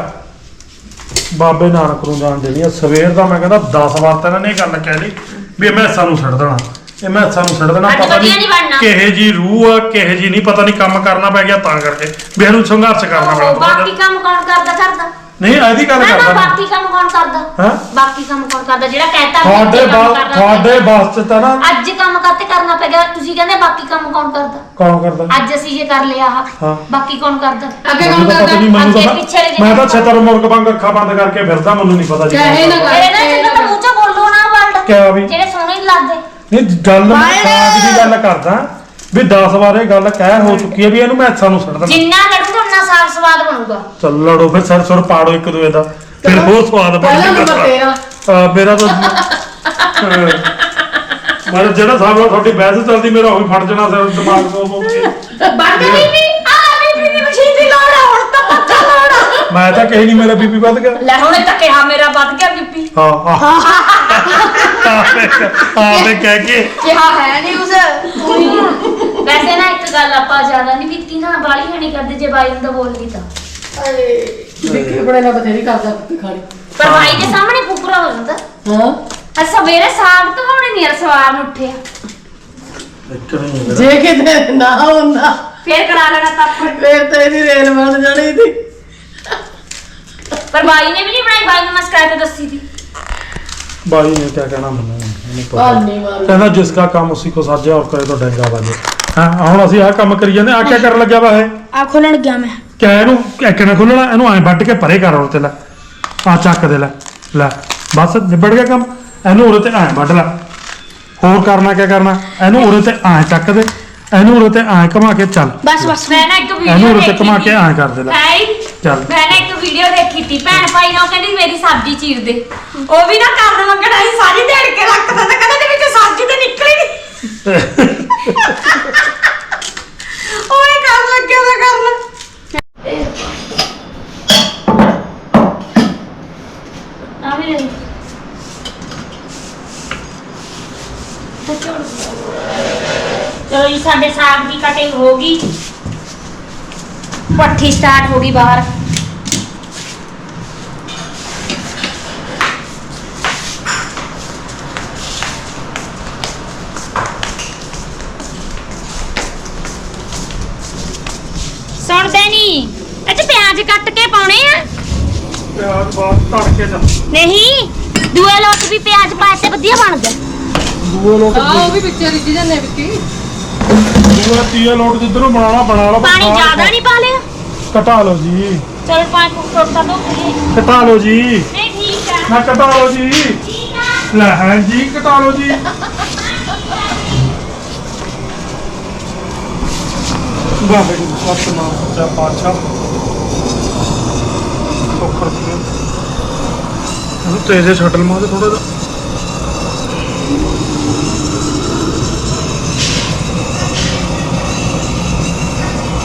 ਬਾਬੇ ਨਾਨਕ ਨੂੰ ਜਾਣ ਦੇਣੀ ਆ ਸਵੇਰ ਦਾ ਮੈਂ ਕਹਿੰਦਾ ਦਸ ਵਾਰ ਤਾਂ ਇਹਨਾਂ ਨੇ ਇਹ ਗੱਲ ਕਹਿ ਲਈ ਵੀ ਮੈਂ ਸਾਨੂੰ ਛੱਡ ਦੇਣਾ ਇਹ ਮੈਂ ਸਾਨੂੰ ਛੱਡ ਦੇਣਾ ਅੱਜ ਪਤਾ ਵਧੀਆ ਨਹੀਂ ਬਣਨਾ। ਨਹੀਂ ਕਿਹੇ ਜੀ ਰੂਹ ਆ ਕਿਹੇ ਜੀ ਨਹੀਂ ਪਤਾ ਨਹੀਂ ਕੰਮ ਕਰਨਾ ਪੈ ਗਿਆ ਤਾਂ ਕਰਕੇ ਵੀ ਇਹਨੂੰ ਸੰਘਰਸ਼ ਕਰਨਾ ਪੈਣਾ ਉਹ ਥੋੜ੍ਹਾ ਬਾਕੀ ਜਿਹਾ। ਕੰਮ ਕੌਣ ਕਰਦਾ ਕਰਦਾ ਨਹੀਂ ਇਹਦੀ ਗੱਲ ਨਾ ਨਾ ਕਰਦਾ ਮੈਂ। ਬਾਕੀ ਕੰਮ ਕੌਣ ਕਰਦਾ ਹੈਂ? ਬਾਕੀ ਕੰਮ ਕੌਣ ਕਰਦਾ ਜਿਹੜਾ ਕਹਿਤਾ ਵੀ ਤੁਹਾਡੇ ਅੱਜ ਕੰਮ ਬਾ- ਕਰਨਾ ਤੁਹਾਡੇ ਪੈਗਾ। ਵਾਸਤੇ ਤਾਂ ਨਾ ਅੱਜ ਕੰਮ ਕਰਤੇ ਕਰਨਾ ਪੈ ਗਿਆ ਤੁਸੀਂ ਕਹਿੰਦੇ ਬਾਕੀ ਕੰਮ ਕੌਣ ਕਰਦਾ ਕੌਣ ਕਰਦਾ ਅੱਜ ਅਸੀਂ ਜੇ ਕਰ ਲਿਆ ਆਹ ਹਾਂ। ਬਾਕੀ ਕੌਣ ਕਰਦਾ ਅੱਗੇ ਮੈਨੂੰ ਕੰਮ ਤਾਂ ਪਤਾ ਕਰਦਾ ਨਹੀਂ ਮੈਨੂੰ ਅੱਗੇ ਤਾਂ ਪਿੱਛੇ ਜਿਹੇ ਮੈਂ ਤਾਂ ਕੰਮ ਛਤਰ ਮੁਰਗ ਵਾਂਗ ਅੱਖਾਂ ਬੰਦ ਕਰਕੇ ਫਿਰਦਾ ਮੈਨੂੰ ਨਹੀਂ ਪਤਾ ਜੀ ਚਾਹੇ ਨਾ ਮੇਰੇ ਨਾਲ ਜਿੰਨਾ ਤਾਂ ਮੂੰਹ ਚੋਂ ਬੋਲੋ ਨਾ ਵਰਡ ਕਿਆ ਵੀ? ਜਿਹੜੇ ਸੋਹਣੇ ਨਹੀਂ ਲੱਗਦੇ ਨਹੀਂ ਗੱਲ ਮੈਂ ਬਾਏ। ਸਾਗ ਦੀ ਗੱਲ ਕਰਦਾ ਵੀ ਦਸ ਵਾਰ ਇਹ ਗੱਲ ਕਹਿ ਹੋ ਚੁੱਕੀ ਹੈ ਵੀ ਇਹਨੂੰ ਮੈਂ ਸਾਨੂੰ ਛੱਡ ਦੇਣਾ ਜਿੰਨਾ ਲੜੂਗਾ ਉਨਾ ਸਾਗ ਸਵਾਦ ਬਣੂਗਾ ਚੱਲ ਲੜੋ ਫਿਰ ਸਰ ਸੁਰ ਪਾੜੋ ਇੱਕ ਦੂਏ ਦਾ ਫਿਰ ਹੋਰ ਸਵਾਦ ਪਹਿਲਾ ਨੰਬਰ ਬਣੇਗਾ ਤੇਰਾ ਆ, ਮੇਰਾ ਤਾਂ ਅਹ, ਮੈਂ ਜਿਹੜਾ ਸਾਹਿਬ ਨਾਲ ਤੁਹਾਡੀ ਬਹਿਸ ਚੱਲਦੀ ਮੇਰਾ ਉਹ ਵੀ ਫਟ ਜਾਣਾ ਸਿਰ ਦਿਮਾਗ ਤੋਂ ਹੋ ਕੇ ਬੰਦ ਬੀਬੀ ਆ ਬੀਬੀ ਦੀ ਮਸ਼ੀਨ ਦੀ ਲੋੜ ਆ ਹੁਣ ਤਾਂ ਪੱਕਾ ਲੋੜ ਆ ਮੈਂ ਤਾਂ ਕਹੀ ਨਹੀਂ ਮੇਰਾ ਬੀਪੀ ਵੱਧ ਗਿਆ ਲੈ ਹੁਣੇ ਤਾਂ ਕਿਹਾ ਮੇਰਾ ਵੱਧ ਗਿਆ ਬੀਬੀ ਹਾਂ ਹਾਂ ਆਪੇ ਕਹਿ ਕੇ ਕਿਹਾ ਹੈ ਨਹੀਂ ਉਸ ਵੈਸੇ ਨਾ ਇੱਕ ਗੱਲ ਆਪਾਂ ਜ਼ਿਆਦਾ ਨਹੀਂ ਬੀਤੀ ਨਾ ਬਾਲੀ ਹੈ ਨਹੀਂ ਕਰਦੇ ਜੇ ਬਾਈ ਨੂੰ ਤਾਂ ਬੋਲ ਗਈ ਤਾਂ ਵਿੱਕੀ ਬੜੇ ਨਾਲ ਬਥੇਰੀ ਕਰਦਾ ਕੁੱਤੀ ਖਾਣੀ ਪਰ ਬਾਈ ਦੇ ਸਾਹਮਣੇ ਫੁਕਰਾ ਹੋ ਜਾਂਦਾ ਹਾਂ ਅੱਜ ਸਵੇਰੇ ਸਾਗ ਤੋਂ ਹੁਣੇ ਨਹੀਂ ਸਵਾਰ ਨੂੰ ਉੱਠਿਆ ਇੱਕ ਨਹੀਂ ਮੇਰਾ ਜੇ ਕਿਤੇ ਨਾ ਹੁੰਦਾ ਫੇਰ ਕਰਾ ਲੈਣਾ ਤਾਂ ਫੇਰ ਤਾਂ ਇਹਦੀ ਰੇਲ ਬਣ ਜਾਣੀ ਸੀ ਪਰ ਬਾਈ ਨੇ ਵੀ ਨਹੀਂ ਬਣਾਈ ਬਾਈ ਨੂੰ ਮੈਂ ਸ਼ਿਕਾਇਤ ਦੱਸੀ ਸੀ ਬਾਈ ਨੇ ਕਿਆ ਕਹਿਣਾ ਮੈਨੂੰ ਮੈਨੂੰ ਪਤਾ ਭਾਨੀ ਮਾਰੂ ਕਹਿੰਦਾ ਜਿਸ ਦਾ ਕੰਮ ਉਸੇ ਕੋ ਸਾਜੇ ਔਰ ਕਰੇ ਤਾਂ ਡੰਗਾ ਬਾਜੇ ਹਾਂ ਹੁਣ ਅਸੀਂ ਆਹ ਕੰਮ ਕਰੀ ਜਾਂਦੇ ਆ ਕਿਆ ਕਰਨ ਲੱਗਿਆ ਵਾ ਇਹ ਆ ਖੋਲਣ ਗਿਆ ਮੈਂ ਕਿਆ ਇਹਨੂੰ ਐਕਣਾ ਖੋਲਣਾ ਇਹਨੂੰ ਐਂ ਵੱਢ ਕੇ ਪਰੇ ਕਰ ਹੋਰ ਤੇ ਲੈ ਆ ਚੱਕ ਦੇ ਲੈ ਲੈ ਬਸ ਨਿਬੜ ਗਿਆ ਕੰਮ ਇਹਨੂੰ ਉਰੇ ਤੇ ਐਂ ਵੱਢ ਲੈ ਹੋਰ ਕਰਨਾ ਕਿਆ ਕਰਨਾ ਇਹਨੂੰ ਉਰੇ ਤੇ ਐਂ ਚੱਕ ਦੇ ਇਹਨੂੰ ਉਰੇ ਤੇ ਐਂ ਘੁਮਾ ਕੇ ਚੱਲ ਬਸ ਬਸ ਮੈਂ ਨਾ ਇੱਕ ਵੀਡੀਓ ਇਹਨੂੰ ਉਰੇ ਤੇ ਦੇਖੀ ਘੁਮਾ ਕੇ ਸੀ। ਐਂ ਕਰ ਦੇ ਲੈ ਹਾਈ ਚੱਲ ਮੈਂ ਨਾ ਇੱਕ ਵੀਡੀਓ ਦੇਖੀ ਸੀ ਭੈਣ ਭਾਈ ਨਾਲ ਕਹਿੰਦੀ ਮੇਰੀ ਸਬਜ਼ੀ ਚੀਰ ਦੇ ਉਹ ਵੀ ਨਾ ਕਰਨ ਮੰਗਣਾ ਸੀ ਸਾਰੀ ਦਿਹਾੜੀ ਕੇ ਰੱਖਦਾ ਤਾਂ ਕਹਿੰਦਾ ਤੇ ਵਿੱਚ ਸਬਜ਼ੀ ਤੇ ਨਿਕਲੀ ਨਹੀਂ ਓਏ ਕਰ ਲੱਗਿਆ ਦਾ ਕਰਨ ਆ ਵੀ ਲੈ ਚਲੋ ਜੀ ਸਾਡੇ ਸਾਗ ਦੀ ਕਟਿੰਗ ਹੋ ਗਈ ਪੱਠੀ ਸਟਾਰਟ ਹੋ ਗਈ ਬਾਹਰ ਸੁਣਦੇ ਨਹੀਂ ਅੱਛਾ ਪਿਆਜ਼ ਕੱਟ ਕੇ ਪਾਉਣੇ ਆ ਪਿਆਜ਼ ਬਾਅਦ ਤੜਕੇ ਦਾ ਨਹੀਂ ਦੂਏ ਲੋਟ ਵੀ ਪਿਆਜ਼ ਪਾਏ ਤੇ ਵਧੀਆ ਬਣਦਾ ਦੂਏ ਲੋਟ ਹਾਂ ਉਹ ਵੀ ਵਿੱਚੇ ਰਿੱਝ ਜਾਂਦੇ ਵਿੱਕੀ ਦੂਆ ਤੀਆ ਲੋਟ ਜਿੱਧਰੋਂ ਬਣਾਉਣਾ ਬਣਾ ਲਓ ਪਾਣੀ ਜ਼ਿਆਦਾ ਨਹੀਂ ਪਾ ਲਿਆ ਕਟਾ ਲਓ ਜੀ ਚਲ ਪਾਣੀ ਫੁੱਟ ਤਾਂ ਦੋ ਨਹੀਂ ਕਟਾ ਲਓ ਜੀ ਠੀਕ ਆ ਨਾ ਕਟਾ ਲਓ ਜੀ ਠੀਕ ਆ ਲੈ ਹਾਂ ਜੀ ਕਟਾ ਲਓ ਜੀ ਵਾਹਿਗੁਰੂ ਸਤਿਨਾਮ ਸੱਚਾ ਪਾਤਸ਼ਾਹ ਸੋਖਰ ਕੀ ਉਹ ਤੇਰੇ ਛੱਡਲ ਮਾਰ ਥੋੜਾ ਜਿਹਾ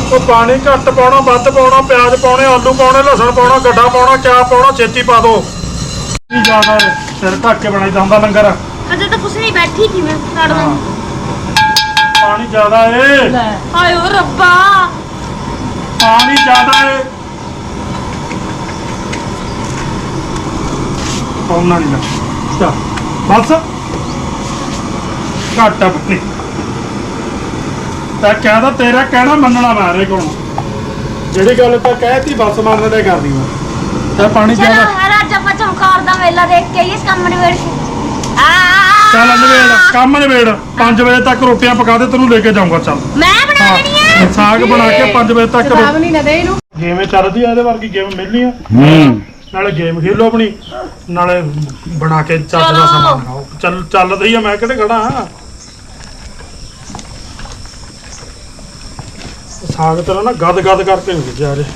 ਉਹ ਪਾਣੀ ਘੱਟ ਪਾਉਣਾ ਵੱਧ ਪਾਉਣਾ ਪਿਆਜ਼ ਪਾਉਣੇ ਆਲੂ ਪਾਉਣੇ ਲਸਣ ਪਾਉਣਾ ਗੱਡਾ ਪਾਉਣਾ ਕਿਆ ਪਾਉਣਾ ਛੇਤੀ ਪਾ ਦੋ ਕੀ ਜ਼ਿਆਦਾ ਸਿਰ ਢੱਕ ਕੇ ਬਣਾਈਦਾ ਹੁੰਦਾ ਲੰਗਰ ਅਜੇ ਤਾਂ ਕੁਛ ਨਹੀਂ ਬੈਠੀ ਸੀ ਮੈਂ ਛੱਡ ਦੋ ਪਾਣੀ ਜ਼ਿਆਦਾ ਏ ਹਾਏ ਓ ਰੱਬਾ ਪਾਣੀ ਜ਼ਿਆਦਾ ਏ ਪਾਉਣਾ ਨਹੀਂ ਲੱਗਾ ਬਸ ਘੱਟ ਆ ਪੱਤੀ ਤਾਂ ਕਹਿੰਦਾ ਤੇਰਾ ਕਹਿਣਾ ਮੰਨਣਾ ਮਾਰੇ ਕੋਣ ਜਿਹੜੀ ਗੱਲ ਤਾਂ ਕਹਿਤੀ ਬਸ ਮੰਨ ਲੈ ਕਰਦੀ ਮੈਂ ਤਾਂ ਪਾਣੀ ਚਲੋ ਜ਼ਿਆਦਾ ਅੱਜ ਆਪਾਂ ਚਮਕੌਰ ਦਾ ਮੇਲਾ ਦੇਖ ਕੇ ਆਈਏ ਇਸ ਕੰਮ ਨਿਬੇੜ ਕੇ ਆ ਚੱਲ ਨਵੇੜ ਕੰਮ ਨਵੇੜ ਪੰਜ ਵਜੇ ਤੱਕ ਰੋਟੀਆਂ ਪਕਾ ਦੇ ਤੈਨੂੰ ਲੈ ਕੇ ਜਾਊਂਗਾ ਚੱਲ ਮੈਂ ਬਣਾ ਦੇਣੀ ਆ ਸਾਗ ਬਣਾ ਕੇ ਪੰਜ ਵਜੇ ਤੱਕ ਕਿਤਾਬ ਨਹੀਂ ਨਾ ਦੇ ਇਹਨੂੰ ਗੇਮ ਚੱਲਦੀ ਆ ਇਹਦੇ ਵਰਗੀ ਗੇਮ ਮਿਲਣੀ ਆ ਹੂੰ ਨਾਲੇ ਗੇਮ ਖੇਲੋ ਆਪਣੀ ਨਾਲੇ ਬਣਾ ਕੇ ਚੱਜ ਦਾ ਸਮਾਨ ਖਾਓ ਚੱਲ ਚੱਲਦੀ ਆ ਮੈਂ ਕਿਹੜੇ ਖੜਾ ਆ ਸਾਗ ਤੇਰਾ ਨਾ ਗਦ ਗਦ ਕਰਕੇ ਨਹੀਂ ਜਾ ਰਹੇ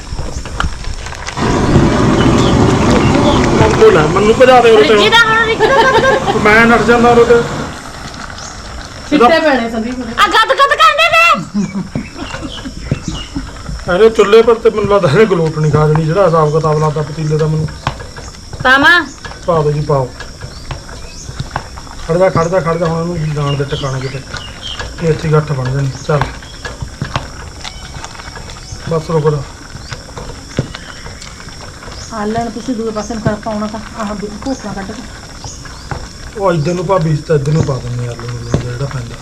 ਮੰਗੋ ਲੈ ਮੈਨੂੰ ਭਜਾ ਦੇ ਉਰੇ ਰਿੱਜੀ ਤੇ ਦਾ ਹੁਣ ਰਿੱਜੀ ਦਾ ਗਦ ਗਦ ਮੈਂ ਨੱਠ ਜਾਂਦਾ ਉਰੇ ਤੇ ਛਿੱਟੇ ਪੈਣੇ ਸੰਦੀਪ ਆ ਗਦ ਗਦ ਕਰਦੇ ਨੇ ਅਰੇ ਚੁੱਲ੍ਹੇ ਪਰ ਤੇ ਮੈਨੂੰ ਲੱਗਦਾ ਇਹਨੇ ਗਲੋਟ ਨਹੀਂ ਖਾ ਜਣੀ ਜਿਹੜਾ ਹਿਸਾਬ ਕਿਤਾਬ ਲਾਦਾ ਪਤੀਲੇ ਦਾ ਮੈਨੂੰ ਪਾਮਾ ਪਾ ਦੋ ਜੀ ਪਾਓ ਖੜਦਾ ਖੜਦਾ ਖੜਦਾ ਹੁਣ ਇਹਨੂੰ ਜਾਣ ਦੇ ਟਿਕਾਣੇ ਕਿਤੇ ਇਹ ਇੱਥੇ ਗੱਠ ਬਣ ਜਾਣੀ ਚੱਲ ਬਸ ਰੁਕ ਜਾ ਆਲਣ ਤੁਸੀਂ ਦੂਏ ਪਾਸੇ ਨੂੰ ਕਰ ਪਾਉਣਾ ਤਾਂ ਆਹ ਵੀ ਕੋਕਾ ਕੱਢ ਕੇ ਉਹ ਇੱਧਰ ਨੂੰ ਭਾਬੀ ਤਾਂ ਇੱਧਰ ਨੂੰ ਪਾ ਦਿੰਦੇ ਯਾਰ ਲੂਣ ਜਿਹੜਾ ਪੈਂਦਾ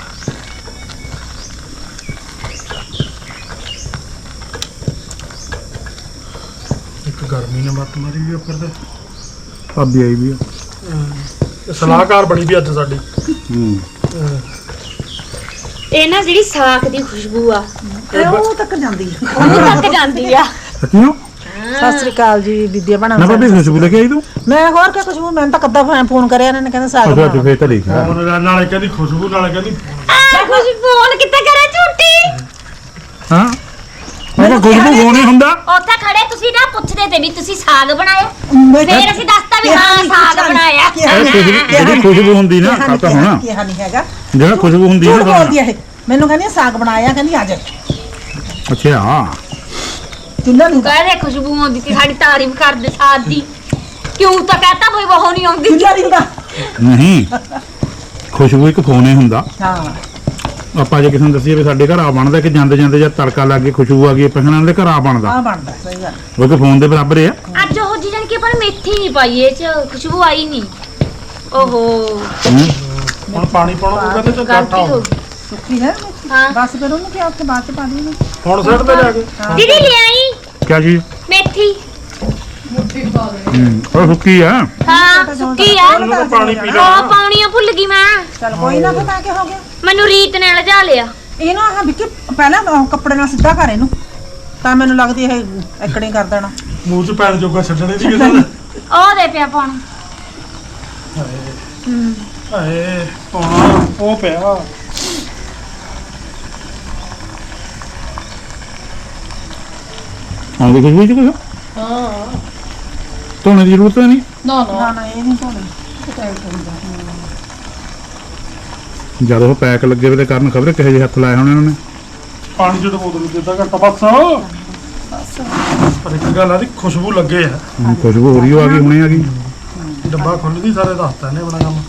ਇੱਕ ਗਰਮੀ ਨੇ ਮੱਤ ਮਾਰੀ ਵੀ ਉੱਪਰ ਤੇ ਭਾਬੀ ਆਈ ਵੀ ਆ ਇਹ ਸਲਾਹਕਾਰ ਬਣੀ ਵੀ ਅੱਜ ਸਾਡੀ ਹੂੰ ਅਹ ਇਹ ਨਾ ਜਿਹੜੀ ਸਾਗ ਦੀ ਖੁਸ਼ਬੂ ਆ ਤੇ ਉਹ ਤੱਕ ਜਾਂਦੀ ਹੈ ਉਹ ਤੱਕ ਜਾਂਦੀ ਆ ਸੱਚੀਓ ਸਤਿ ਸ੍ਰੀ ਅਕਾਲ ਜੀ ਵਿਦਿਆ ਬਣਾ ਨਾ ਭਾਬੀ ਖੁਸ਼ਬੂ ਲੈ ਕੇ ਆਈ ਤੂੰ ਮੈਂ ਹੋਰ ਕਿ ਕੁਝ ਮੈਂ ਤਾਂ ਕੱਦਾ ਫੋਨ ਕਰਿਆ ਇਹਨਾਂ ਨੇ ਕਹਿੰਦੇ ਸਾਗ ਅੱਛਾ ਬਣਾ ਫੇਰ ਤਾਂ ਲਿਖਿਆ ਉਹਨੇ ਨਾਲੇ ਕਹਿੰਦੀ ਖੁਸ਼ਬੂ ਨਾਲੇ ਕਹਿੰਦੀ ਆ ਖੁਸ਼ਬੂ ਹੁਣ ਕਿੱਥੇ ਕਰੇ ਝੂਠੀ ਹਾਂ ਮੈਂ ਕਿਹਾ ਖੁਸ਼ਬੂ ਹੋਣੀ ਹੁੰਦਾ ਉੱਥੇ ਖੜੇ ਤੁਸੀਂ ਨਾ ਪੁੱਛਦੇ ਤੇ ਵੀ ਤੁਸੀਂ ਸਾਗ ਬਣਾਇਆ ਮੈਂ ਕਿਹਾ- ਫੇਰ ਅਸੀਂ ਦੱਸਤਾ ਵੀ ਹਾਂ ਸਾਗ ਬਣਾਇਆ ਕਿਹਾ ਇਹ ਨੀ- ਖੁਸ਼ਬੂ ਕਿਹਾ ਜਿਹੜੀ ਨੀ- ਖੁਸ਼ਬੂ ਹੁੰਦੀ ਨਾ ਕਿਹਾ ਨੀ- ਖਾਤਾ ਹੋਣਾ ਕਿਹਾ ਨਹੀਂ ਹੈਗਾ ਜਿਹੜਾ ਖੁਸ਼ਬੂ ਹੁੰਦੀ ਝੂਠ ਨਾ ਬੋਲਦੀ ਆ ਇਹ ਮੈਨੂੰ ਕਹਿੰਦੀ ਆ ਸਾਗ ਬਣਾਇਆ ਕਹਿੰਦੀ ਆ ਜਾ ਅੱਛਾ ਹਾਂ ਚੁੱਲ੍ਹਾ ਨੂੰ ਕਹਿੰਦੇ ਖੁਸ਼ਬੂ ਆਉਂਦੀ ਸੀ ਸਾਡੀ ਤਾਰੀਫ ਕਰਦੇ ਸਾਗ ਦੀ ਕਿਉਂ ਤਾਂ ਕਹਤਾ ਕੋਈ ਬਹੁ ਨਹੀਂ ਆਉਂਦੀ ਚੁੱਲ੍ਹਾ ਨਹੀਂ ਹੁੰਦਾ ਨਹੀਂ ਖੁਸ਼ਬੂ ਇੱਕ ਫੋਨੇ ਹੁੰਦਾ ਹਾਂ ਆਪਾਂ ਜੇ ਕਿਸੇ ਨੂੰ ਦੱਸੀਏ ਵੀ ਸਾਡੇ ਘਰ ਆ ਬਣਦਾ ਕਿ ਜਾਂਦੇ ਜਾਂਦੇ ਜਦ ਤੜਕਾ ਲੱਗ ਕੇ ਖੁਸ਼ਬੂ ਆ ਗਈ ਆਪਾਂ ਕਹਿੰਦੇ ਦੇ ਘਰ ਆ ਬਣਦਾ ਆ ਬਣਦਾ ਸਹੀ ਗੱਲ ਉਹ ਕਿ ਫੋਨ ਦੇ ਬਰਾਬਰ ਆ ਅੱਜ ਉਹ ਜੀ ਜਾਨ ਕਿ ਪਰ ਮੇਥੀ ਨਹੀਂ ਪਾਈ ਇਹ ਚ ਖੁਸ਼ਬੂ ਆਈ ਨਹੀਂ ਓਹੋ ਹੂੰ। ਹੁਣ ਪਾਣੀ ਪਾਉਣਾ ਪਊਗਾ ਤੇ ਗਲਤੀ ਘਾਟਾ ਹੋ ਹੋ ਗਈ ਸੁੱਕੀ ਹੈ ਹਾਂ ਬਸ ਫਿਰ ਉਹਨੂੰ ਕਿਹਾ ਉੱਥੇ ਬਾਅਦ ਚ ਪਾ ਦੇਣੀ ਹੁਣ ਸਿਰ ਤੇ ਜਾ ਕੇ ਦੀਦੀ ਲਿਆਈ ਕਿਆ ਚੀਜ਼ ਮੇਥੀ ਮੁੱਠੀ ਪਾ ਦੇ ਹੂੰ ਉਹ ਸੁੱਕੀ ਆ ਹਾਂ ਸੁੱਕੀ ਆ ਇਹਨੂੰ ਤਾਂ ਪਾਣੀ ਪੀ ਉਹ ਲੈ ਪਾਉਣੀ ਆ ਭੁੱਲ ਗਈ ਮੈਂ ਚਲ ਕੋਈ ਨਾ ਪਤਾ ਕਿ ਹੋ ਗਿਆ ਮੈਨੂੰ ਰੀਤ ਨੇ ਲਜਾ ਲਿਆ ਇਹਨੂੰ ਆਹ ਵਿੱਕੀ ਪਹਿਲਾਂ ਉਹ ਕੱਪੜੇ ਨਾਲ ਸਿੱਧਾ ਕਰ ਇਹਨੂੰ ਤਾਂ ਮੈਨੂੰ ਲੱਗਦੀ ਇਹ ਇਕੜੇ ਕਰ ਦੇਣਾ ਮੂੰਹ ਚ ਪੈਣ ਜੋਗਾ ਛੱਡਣੇ ਦੀ ਕਿਸੇ ਨੇ ਉਹ ਦੇ ਪਿਆ ਪਾਉਣ ਹਾਏ ਪਾਉਣਾ ਉਹ ਪਿਆ ਆਉਂਦੀ ਖੁਸ਼ਬੂ ਚ ਕੁਛ ਹਾਂ ਧੋਣੇ ਦੀ ਜ਼ਰੂਰਤ ਨਹੀਂ ਨਾ ਨਾ ਨਾ ਨਾ ਇਹ ਨਹੀਂ ਧੋਣੀ ਜਦ ਉਹ ਪੈਕ ਲੱਗੇ ਵੇ ਤੇ ਕਰਨ ਖਬਰ ਕਿਹੋ ਜਿਹੇ ਹੱਥ ਲਾਏ ਹੋਣੇ ਉਹਨਾਂ ਨੇ ਪਾਣੀ ਚ ਬੋਤਲ ਦਿੱਤਾ ਘੱਟਾ ਬਸ ਪਰ ਇੱਕ ਗੱਲ ਆ ਦੀ ਖੁਸ਼ਬੂ ਲੱਗੇ ਆ ਹੁਣ ਖੁਸ਼ਬੂ ਹੋ ਰਹੀ ਆ ਗਈ ਹੁਣੇ ਆ ਗਈ ਡੱਬਾ ਖੁੱਲਦੀ ਸਾਰੇ ਦੱਸਤਾ ਇਹਨੇ ਬਣਾ ਕੰਮ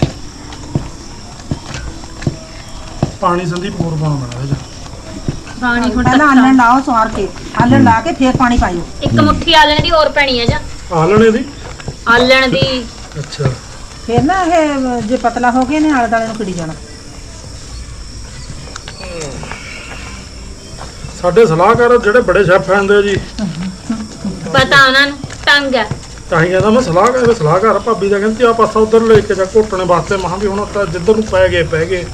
ਪਾਣੀ ਸੰਦੀਪ ਹੋਰ ਪਾਉਣਾ ਬਣਾ ਇਹਦੇ ਪਾਣੀ ਹੁਣ ਪਹਿਲਾਂ ਆਲਣ ਲਾਓ ਸਵਾਰ ਕੇ ਆਲਣ ਲਾ ਕੇ ਫੇਰ ਪਾਣੀ ਪਾਇਓ ਇੱਕ ਮੁੱਠੀ ਆਲਣ ਦੀ ਹੋਰ ਪੈਣੀ ਆ ਜਾਂ ਆਲਣੇ ਦੀ ਆਲਣ ਦੀ ਅੱਛਾ ਫੇਰ ਨਾ ਇਹ ਜੇ ਪਤਲਾ ਹੋ ਗਿਆ ਨੇ ਆਲੇ ਦਾਲੇ ਨੂੰ ਕਿੜੀ ਜਾਣਾ ਸਾਡੇ ਸਲਾਹਕਾਰ ਜਿਹੜੇ ਬੜੇ ਸ਼ੈਫ ਆਂਦੇ ਆ ਜੀ ਪਤਾ ਉਹਨਾਂ ਨੂੰ ਤੰਗ ਆ ਤਾਂ ਹੀ ਕਹਿੰਦਾ ਮੈਂ ਸਲਾਹਕਾਰ ਸਲਾਹਕਾਰ ਭਾਬੀ ਦਾ ਕਹਿੰਦੀ ਆ ਪਾਸਾ ਉਧਰ ਲੈ ਕੇ ਜਾ ਘੋਟਣੇ ਵਾਸਤੇ ਮਹਾਂ ਵੀ ਹੁਣ ਤਾਂ ਜਿੱਧਰ ਨੂੰ ਪੈ ਗਏ ਪੈ ਗਏ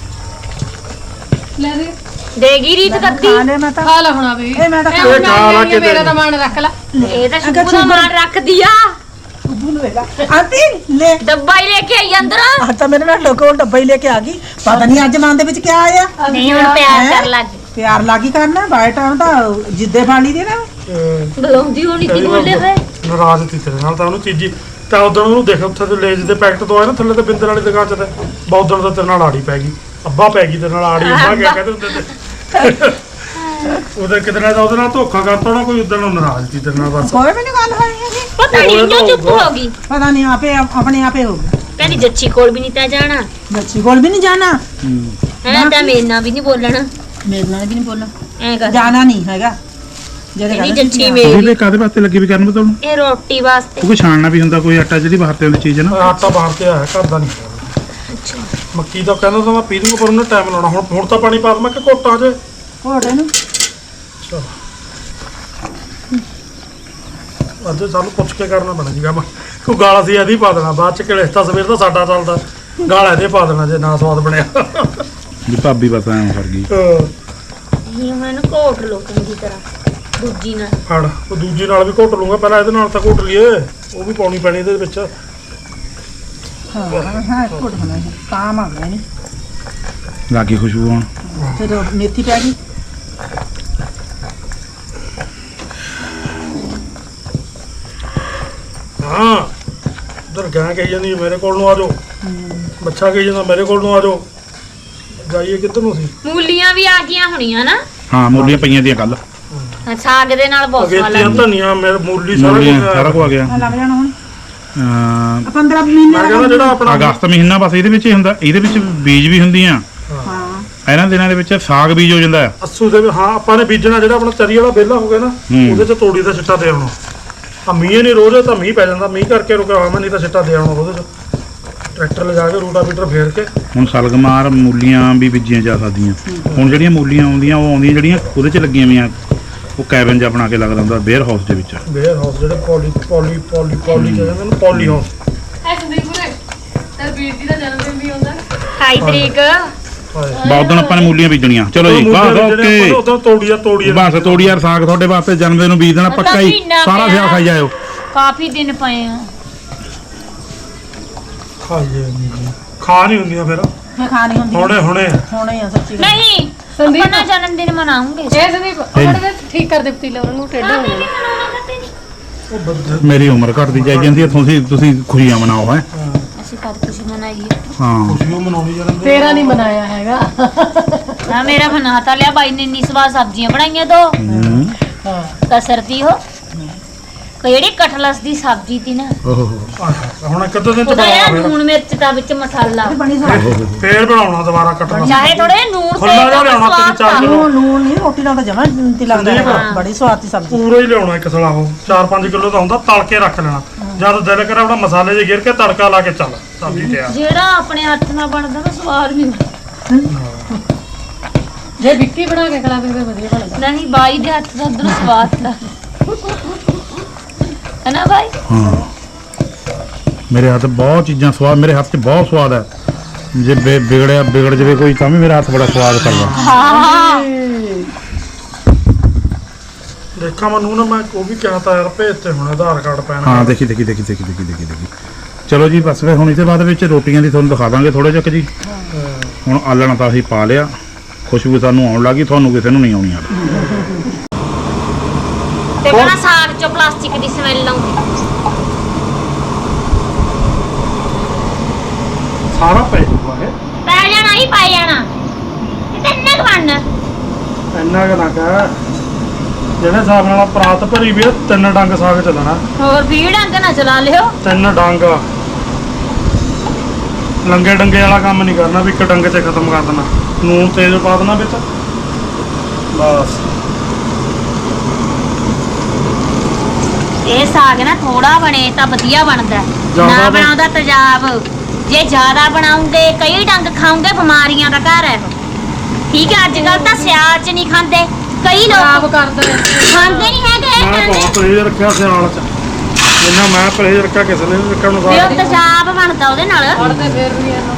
ਲੈ ਦੇ ਦੇਗੀ ਰੀਤ ਕੱਦੀ ਖਾ ਲੈ ਮੈਂ ਤਾਂ ਖਾ ਲਾ ਹੁਣ ਵੀ ਇਹ ਮੈਂ ਤਾਂ ਇਹ ਖਾ ਹੁਣ ਖਾ ਲਾ ਮੈਂ ਕੇ ਮੇਰਾ ਦੇ। ਤਾਂ ਮਨ ਰੱਖ ਲੈ ਇਹ ਤਾਂ ਅਗਰ ਸ਼ੁਭੂ ਦਾ ਮਾਣ ਰੱਖਦੀ ਆ ਬੁੱਲ ਵੇਗਾ ਆਂਟੀ ਲੈ ਡੱਬਾ ਹੀ ਲੈ ਕੇ ਆਈ ਅੰਦਰ ਆ ਤਾਂ ਮੇਰੇ ਨਾਲ ਲੋਕੋ ਡੱਬਾ ਹੀ ਲੈ ਕੇ ਆ ਗਈ ਪਤਾ ਨਹੀਂ ਅੱਜ ਮਨ ਦੇ ਵਿੱਚ ਕੀ ਆਇਆ ਨਹੀਂ ਹੁਣ ਪਿਆਰ ਕਰ ਲੱਗ ਪਿਆਰ ਲਾਗੀ ਕਰਨਾ ਬਾਈ ਟਾਈਮ ਤਾਂ ਜਿੱਦੇ ਫਾਲੀ ਦੇ ਨਾ ਅਹ ਬੁਲਾਉਂਦੀ ਹੋਣੀ ਕੀ ਬੋਲੇ ਵੇ ਨਾਰਾਜ਼ ਸੀ ਤੇਰੇ ਨਾਲ ਤਾਂ ਉਹਨੂੰ ਤੀਜੀ ਤਾਂ ਉਦੋਂ ਉਹਨੂੰ ਦੇਖ ਉੱਥੇ ਤੇ ਲੇਜ ਦੇ ਪੈਕਟ ਤੋਂ ਆਏ ਨਾ ਥੱਲੇ ਤੇ ਬਿੰਦਰ ਵਾਲੀ ਦੁਕਾਨ 'ਚ ਤੇ ਬਹੁਦਣ ਦਾ ਤੇਰੇ ਨਾਲ ਆੜੀ ਪੈ ਗਈ ਅੱਬਾ ਪੈ ਗਈ ਤੇਰੇ ਨਾਲ ਆੜੀ ਅੱਬਾ ਕਿਆ ਕਹਿੰਦੇ ਹੁੰਦੇ ਤੇ ਉਹਦੇ ਕਿਤਨਾ ਦਾ ਉਹਦੇ ਨਾਲ ਧੋਖਾ ਕਰਤਾ ਨਾ ਕੋਈ ਉਦੋਂ ਨਾਰਾਜ਼ ਸੀ ਤੇਰੇ ਨਾਲ ਬਸ ਕੋਈ ਵੀ ਨਹੀਂ ਗੱਲ ਹੋਈ ਹੈਗੀ ਪਤਾ ਨਹੀਂ ਉਹ ਕਿਉਂ ਤਾਂ ਚੁੱਪ ਹੋ ਗਈ ਪਤਾ ਨਹੀਂ ਆਪੇ ਆਪਣੇ ਆਪੇ ਹੋ ਗਿਆ ਕਹਿੰਦੀ ਜੱਚੀ ਕੋਲ ਵੀ ਨਹੀਂ ਤਾਂ ਜਾਣਾ ਬੱਚੀ ਕੋਲ ਵੀ ਨਹੀਂ ਜਾਣਾ ਹੈ ਤਾਂ ਮੇਰੇ ਨਾਲ ਵੀ ਨਹੀਂ ਬੋਲਣਾ ਮੇਰੇ ਨਾਲ ਵੀ ਨਹੀਂ ਬੋਲਣਾ ਐ ਕਰ ਜਾਣਾ ਨਹੀਂ ਹੈਗਾ ਜਿਹੜੇ ਕਹਿੰਦੀ ਕਹਿੰਦੇ ਜੱਚੀ ਤੁਸੀਂ ਮੇਰੀ ਵੀ ਕਾਦੇ ਵਾਸਤੇ ਲੱਗੀ ਵੀ ਕਰਨ ਬਤਾਉਣ ਇਹ ਰੋਟੀ ਵਾਸਤੇ ਕਿਉਂਕਿ ਛਾਣਨਾ ਵੀ ਹੁੰਦਾ ਕੋਈ ਆਟਾ ਜਿਹੜੀ ਬਾਹਰ ਤੇ ਆਉਂਦੀ ਚੀਜ਼ ਹੈ ਨਾ ਆਟਾ ਬਾਹਰ ਤੇ ਆਇਆ ਘਰ ਦਾ ਨਹੀਂ ਅੱਛਾ ਮੱਕੀ ਦਾ ਕਹਿੰਦਾ ਤਾਂ ਮੈਂ ਪੀ ਦੂੰਗਾ ਪਰ ਉਹਨੇ ਟਾਈਮ ਲਾਉਣਾ ਹੁਣ ਹੁਣ ਤਾਂ ਪਾਣੀ ਪਾ ਦਵਾਂ ਕਿ ਘੋਟਾਂ 'ਚ ਘੋੜੇ ਨੂੰ ਅੱਜ ਸਾਨੂੰ ਪੁੱਛ ਕੇ ਕਰਨਾ ਪੈਣਾ ਜੀ ਕੰਮ ਕੋਈ ਗਾਲ ਅਸੀਂ ਇਹਦੀ ਪਾ ਦੇਣਾ ਬਾਅਦ 'ਚ ਕਿਲੇ ਤਾਂ ਸਵੇਰ ਦਾ ਸਾਡਾ ਚੱਲਦਾ ਗਾਲ ਇਹਦੇ ਪਾ ਦੇਣਾ ਜੇ ਨਾ ਸਵਾਦ ਬਣਿਆ ਵੀ ਭਾਬੀ ਬਸ ਐਂ ਕਰ ਗਈ ਇਹ ਮੈਨੂੰ ਕੋਟ ਲੋ ਚੰਗੀ ਤਰ੍ਹਾਂ ਦੂਜੀ ਨਾਲ ਫੜ ਉਹ ਦੂਜੀ ਨਾਲ ਵੀ ਘੋਟ ਲੂੰਗਾ ਪਹਿਲਾਂ ਇਹਦੇ ਨਾਲ ਤਾਂ ਘੋਟ ਲਈਏ ਉਹ ਵੀ ਪਾਉਣੀ ਪੈਣੀ ਇਹਦੇ ਵਿੱਚ ਹਾਂ ਹਾਂ ਘੋੜ ਬਣਾ ਕੰਮ ਆ ਗਿਆ ਨਹੀਂ ਲਾਗੀ ਖੁਸ਼ਬੂ ਆਉਣ ਫਿਰ ਮੇਥੀ ਪੈ ਗਈ ਹਾਂ ਉਧਰ ਗਾਂ ਕਹੀ ਜਾਂਦੀ ਮੇਰੇ ਕੋਲ ਨੂੰ ਆ ਜਾਓ ਬੱਚਾ ਕਹੀ ਜਾਂਦਾ ਮੇਰੇ ਕੋਲ ਨੂੰ ਆ ਜਾਓ ਜਾਈਏ ਕਿੱਧਰ ਨੂੰ ਸੀ ਮੂਲੀਆਂ ਵੀ ਆ ਗਈਆਂ ਹੋਣੀਆਂ ਨਾ ਹਾਂ ਮੂਲੀਆਂ ਪਈਆਂ ਦੀਆਂ ਕੱਲ ਸਾਗ ਦੇ ਨਾਲ ਬਹੁਤ ਸਵਾਦ ਅਗੇਤੀਆਂ ਲੱਗਦੀ ਧਨੀਆ ਮੇਰੇ ਮੂਲੀ ਸਾਰਾ ਮੂਲੀਆਂ ਕੁਝ ਸਾਰਾ ਕੁਝ ਆ ਗਿਆ ਆ ਲੱਗ ਜਾਣਾ ਹੁਣ ਅਹ, ਪੰਦਰਾਂ ਮਹੀਨੇ ਮੈਂ ਕਹਿੰਦਾ ਜਿਹੜਾ ਆਪਣਾ ਅਗਸਤ ਮਹੀਨਾ ਬਸ ਇਹਦੇ ਵਿੱਚ ਹੀ ਹੁੰਦਾ ਇਹਦੇ ਵਿੱਚ ਬੀਜ ਵੀ ਹੁੰਦੀਆਂ ਹਾਂ ਇਹਨਾਂ ਦਿਨਾਂ ਦੇ ਵਿੱਚ ਸਾਗ ਬੀਜ ਹੋ ਜਾਂਦਾ ਹੈ ਅੱਸੂ ਦੇ ਵੀ- ਹਾਂ ਆਪਾਂ ਨੇ ਬੀਜਣਾ ਜਿਹੜਾ ਆਪਣਾ ਚਰੀ ਵਾਲਾ ਵਿਹਲਾ ਹੋ ਗਿਆ ਨਾ ਹੂੰ। ਉਹਦੇ 'ਚ ਤੋੜੀ ਦਾ ਛਿੱਟਾ ਦੇ ਆਉਣਾ ਆ ਮੀਂਹ ਨਹੀਂ ਰੋਜ਼ ਤਾਂ ਮੀਂਹ ਪੈ ਜਾਂਦਾ ਮੀਂਹ ਕਰਕੇ ਰੁਕਿਆ ਹੋਇਆ ਮੈਂ ਨਹੀਂ ਤਾਂ ਛਿੱਟਾ ਦੇ ਆਉਣਾ ਉਹਦੇ 'ਚ ਟਰੈਕਟਰ ਲਿਜਾ ਕੇ ਰੂਟਾਵੀਟਰ ਫੇਰ ਕੇ ਹੁਣ ਸਲਗਮਾਰ ਮੂਲੀਆਂ ਵੀ ਬੀਜੀਆਂ ਜਾ ਸਕਦੀਆਂ ਹੁਣ ਜਿਹੜੀਆਂ ਮੂਲੀਆਂ ਆਉਂਦੀਆਂ ਉਹ ਆਉਂਦੀਆਂ ਜਿਹੜੀਆਂ ਉਹਦੇ 'ਚ ਲੱਗੀਆਂ ਹੋਈਆਂ ਉਹ ਕੈਬਨ ਜਿਹਾ ਬਣਾ ਕੇ ਲੱਗਦਾ ਹੁੰਦਾ ਵੇਅਰ ਹਾਊਸ ਦੇ ਵਿੱਚ ਵੇਅਰ ਹਾਊਸ ਜਿਹੜੇ ਪੋਲੀ ਪੋਲੀ ਪੋਲੀ ਪੋਲੀ ਕਹਿੰਦੇ ਨੇ ਪੋਲੀ ਹਾਊਸ ਅਠਾਈ ਤਰੀਕ ਬਹੁਤ ਦਿਨ ਆਪਾਂ ਨੇ ਮੂਲੀਆਂ ਬੀਜਣੀਆਂ ਚਲੋ ਜੀ ਬਸ ਓਕੇ ਉਦੋਂ ਤੋੜੀਆ ਤੋੜੀਆ ਬਸ ਤੋੜੀ ਯਾਰ ਸਾਗ ਤੁਹਾਡੇ ਵਾਸਤੇ ਜਨਮ ਦਿਨ ਨੂੰ ਬੀਜ ਦੇਣਾ ਪੱਕਾ ਹੀ ਮਹੀਨਾ ਸਾਰਾ ਪਿਆ। ਸਿਆ ਖਾਈ ਜਾਇਓ ਕਾਫੀ ਦਿਨ ਪਏ ਆ ਖਾਈਏ ਨਹੀਂ ਖਾ ਨਹੀਂ ਹੁੰਦੀਆਂ ਫਿਰ ਮੈਂ ਖਾਣੀ ਹੁੰਦੀ ਹੁਣੇ ਹੁਣੇ ਹੋਣੇ ਆ ਸੱਚੀ ਗੱਲ ਨਹੀਂ ਸੰਦੀਪ। ਆਪਣਾ ਜਨਮ ਦਿਨ ਮਨਾਉਂਗੇ ਇਹ ਸੰਦੀਪ ਉਹਨਾਂ ਠੀਕ ਕਰ ਦੇ ਪਤੀਲਾ ਉਹਨਾਂ ਨੂੰ ਟੇਢਾ ਹੋ ਜਾਣਾ ਉਹ ਬੰਦੇ ਮੇਰੀ ਉਮਰ ਘਟਦੀ ਜਾਈ ਜਾਂਦੀ ਹੈ ਤੁਸੀਂ ਤੁਸੀਂ ਖੁਸ਼ੀਆਂ ਮਨਾਓ ਹੈ ਅਸੀਂ ਕਦ ਖੁਸ਼ੀ ਮਨਾਈਏ ਹਾਂ ਖੁਸ਼ੀਆਂ ਮਨਾਉਣੀ ਜਨਮ ਦਿਨ ਤੇਰਾ ਨਹੀਂ ਮਨਾਇਆ ਹੈਗਾ ਨਾ ਮੇਰਾ ਬਣਾ ਤਾਂ ਲਿਆ ਬਾਈ ਨੇ ਇੰਨੀ ਸਵਾਦ ਸਬਜ਼ੀਆਂ ਬਣਾਈਆਂ ਦੋ ਹੂੰ। ਹਾਂ ਕਸਰਤੀ ਹੋ ਕਿਹੜੀ ਕਟਲਸ ਦੀ ਸਬਜ਼ੀ ਤੀ ਨਾ ਓਹੋ ਆਹ, ਹੁਣ ਇੱਕ ਅੱਧੇ ਦਿਨ ਚ ਉਹਦਾ ਬਣਾਉਣਾ ਯਾਰ ਫਿਰ ਲੂਣ ਮਿਰਚ ਦਾ ਵਿੱਚ ਮਸਾਲਾ ਬਣੀ ਸਵਾਦ ਫੇਰ ਬਣਾਉਣਾ ਦੁਬਾਰਾ ਕੱਟਣਾ ਚਾਹੇ ਥੋੜੇ ਲੂਣ ਖੁੱਲਾ ਜਿਹਾ ਤਾਂ ਲਿਆਉਣਾ ਤਿੰਨ ਸਵਾਦ ਚਾਰ ਤਾਂ। ਕਿਲੋ। ਲੂਣ ਲੂਣ ਨਹੀਂ ਰੋਟੀ ਨਾਲ ਤਾਂ ਜਮਾ ਤੇ ਲੱਗਦਾ ਸੰਦੀਪ। ਹੈ। ਬੜੀ ਸਵਾਦ ਦੀ ਸਬਜ਼ੀ ਪੂਰਾ ਹੀ ਲਿਆਉਣਾ ਇੱਕ ਸਲਾ ਉਹ ਚਾਰ ਪੰਜ ਕਿਲੋ ਦਾ ਹੁੰਦਾ ਤਲ ਕੇ ਰੱਖ ਲੈਣਾ ਜਦ ਦਿਲ ਕਰੇ ਆਪਣਾ ਮਸਾਲੇ ਜੇ ਗਿਰ ਕੇ ਤੜਕਾ ਲਾ ਕੇ ਚੱਲ ਸਬਜ਼ੀ ਤਿਆਰ ਜਿਹੜਾ ਆਪਣੇ ਹੱਥ ਨਾਲ ਬਣਦਾ ਨਾ ਸਵਾਦ ਨਹੀਂ ਜੇ ਵਿੱਕੀ ਬਣਾ ਕੇ ਖਿਲਾਵੇ ਫਿਰ ਵਧੀਆ ਬਣਦਾ ਨਹੀਂ ਬਾਈ ਦੇ ਹੱਥ ਦਾ ਉਧਰ ਸਵਾਦ ਦਾ ਹੈ ਨਾ ਬਾਈ ਹਾਂ ਮੇਰੇ ਹੱਥ ਬਹੁਤ ਚੀਜ਼ਾਂ ਸਵਾਦ ਮੇਰੇ ਹੱਥ 'ਚ ਬਹੁਤ ਸਵਾਦ ਹੈ ਜੇ ਬਿ- ਵਿਗੜਿਆ ਵਿਗੜ ਜਾਵੇ ਕੋਈ ਤਾਂ ਵੀ ਮੇਰਾ ਹੱਥ ਬੜਾ ਸਵਾਦ ਕਰਦਾ ਹਾਂ ਦੇਖਾਂ ਮੈਨੂੰ ਨਾ ਮੈਂ ਉਹ ਵੀ ਕਿਹਾ ਤਾਂ ਯਾਰ ਭੇਜ ਤੇ ਹੁਣ ਆਧਾਰ ਕਾਰਡ ਪੈਨ ਹਾਂ ਦੇਖੀ ਦੇਖੀ ਦੇਖੀ ਦੇਖੀ ਦੇਖੀ ਦੇਖੀ ਦੇਖੀ ਚਲੋ ਜੀ ਬਸ ਫਿਰ ਹੁਣ ਇਹਦੇ ਬਾਅਦ ਵਿੱਚ ਰੋਟੀਆਂ ਦੀ ਤੁਹਾਨੂੰ ਦਿਖਾ ਦਾਂਗੇ ਥੋੜੇ ਜਿਹਾ ਜੀ ਹੁਣ ਆਲਣਾ ਤਾਂ ਅਸੀਂ ਪਾ ਲਿਆ ਖੁਸ਼ਬੂ ਸਾਨੂੰ ਆਉਣ ਲੱਗੀ ਤੁਹਾਨੂੰ ਕਿਸੇ ਨੂੰ ਨਹੀਂ ਆਉਣੀ ਹਾਲੇ ਤੇ ਕਹਿੰਦਾ ਸਾਗ ਚੋਂ ਪਲਾਸਟਿਕ ਦੀ ਸਮੈਲ ਆਉਂਦੀ ਸਾਰਾ ਪੈ ਜੂਗਾ ਇਹ ਪੈ ਜਾਣਾ ਹੀ ਪੈ ਜਾਣਾ ਤੇ ਕਿੰਨਾ ਕੁ ਬਣਨਾ ਇੰਨਾ ਕੁ ਨਾ ਕਹਿ ਜਿਹੜੇ ਹਿਸਾਬ ਨਾਲ ਪਰਾਤ ਭਰੀ ਵੀ ਆ, ਤਿੰਨ ਡੰਗ ਸਾਗ ਚੱਲਣਾ ਹੋਰ ਵੀਹ ਡੰਗ ਨਾ ਚਲਾ ਲਿਓ ਤਿੰਨ ਡੰਗ ਲੰਗੇ ਡੰਗੇ ਵਾਲਾ ਕੰਮ ਨਹੀਂ ਕਰਨਾ ਵੀ ਇੱਕ ਡੰਗ 'ਚ ਖਤਮ ਕਰ ਦੇਣਾ ਨੂਨ ਤੇਜ਼ ਪਾ ਦੇਣਾ ਵਿੱਚ ਬਸ ਇਹ ਸਾਗ ਨਾ ਥੋੜਾ ਬਣੇ ਤਾਂ ਵਧੀਆ ਬਣਦਾ ਹੈ। ਜ਼ਿਆਦਾ ਨਾ ਬਣ- ਬਣਾਉਂਦਾ ਤੇਜ਼ਾਬ ਜੇ ਜ਼ਿਆਦਾ ਬਣਾਉਂਗੇ ਕਈ ਡੰਗ ਖਾਉਂਗੇ ਬਿਮਾਰੀਆਂ ਦਾ ਘਰ ਹੈ ਠੀਕ ਹੈ ਅੱਜ ਕੱਲ ਤਾਂ ਸਿਆਲ ਚ ਨਹੀਂ ਖਾਂਦੇ ਕਈ ਖਰਾਬ ਲੋਕ ਕਰਦਾ ਹੈ ਖਾਂਦੇ ਨਹੀਂ ਹੈਗੇ ਮੈਂ ਬਹੁਤ ਪਰਹੇਜ਼ ਰੱਖਿਆ ਸਿਆਲ 'ਚ ਜਿੰਨਾ ਮੈਂ ਪਰਹੇਜ਼ ਰੱਖਿਆ ਕਿਸੇ ਨੇ ਨਹੀਂ ਰੱਖਿਆ ਨੂੰ ਵੀ ਸਾਗ ਉਹ ਤੇਜ਼ਾਬ ਬਣਦਾ ਉਹਦੇ ਨਾਲ ਫੜਦੇ ਫੇਰ ਵੀ ਇਹਨੂੰ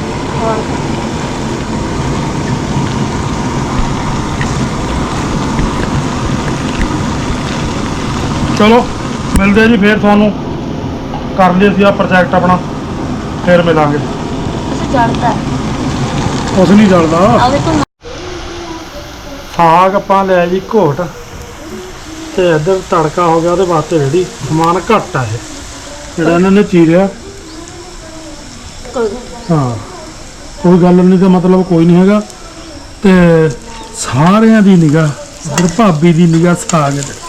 ਚਲੋ ਮਿਲਦੇ ਆ ਜੀ ਫੇਰ ਤੁਹਾਨੂੰ ਕਰ ਲਈ ਅਸੀਂ ਆ ਪ੍ਰੋਜੈਕਟ ਆਪਣਾ ਫੇਰ ਮਿਲਾਂਗੇ ਉਸ ਜੜਦਾ ਕੁਛ ਨਹੀਂ ਜਲਦਾ ਉਹਦੇ ਤੋਂ ਸਾਗ ਆਪਾਂ ਲਿਆ ਜੀ ਘੋਟ ਤੇ ਇੱਧਰ ਤੜਕਾ ਹੋ ਗਿਆ ਉਹਦੇ ਵਾਸਤੇ ਰੈਡੀ ਸਮਾਨ ਘੱਟ ਆ ਇਹ ਜਿਹੜਾ ਇਹਨਾਂ ਨੇ ਚੀਰਿਆ ਹਾਂ ਕੋਈ ਗੱਲ ਨਹੀਂ ਤਾਂ ਮਤਲਬ ਕੋਈ ਨਹੀਂ ਹੈਗਾ ਤੇ ਸਾਰਿਆਂ ਦੀ ਨਿਗਾਹ ਇੱਧਰ ਭਾਬੀ ਦੀ ਨਿਗਾਹ ਸਾਗ 'ਚ,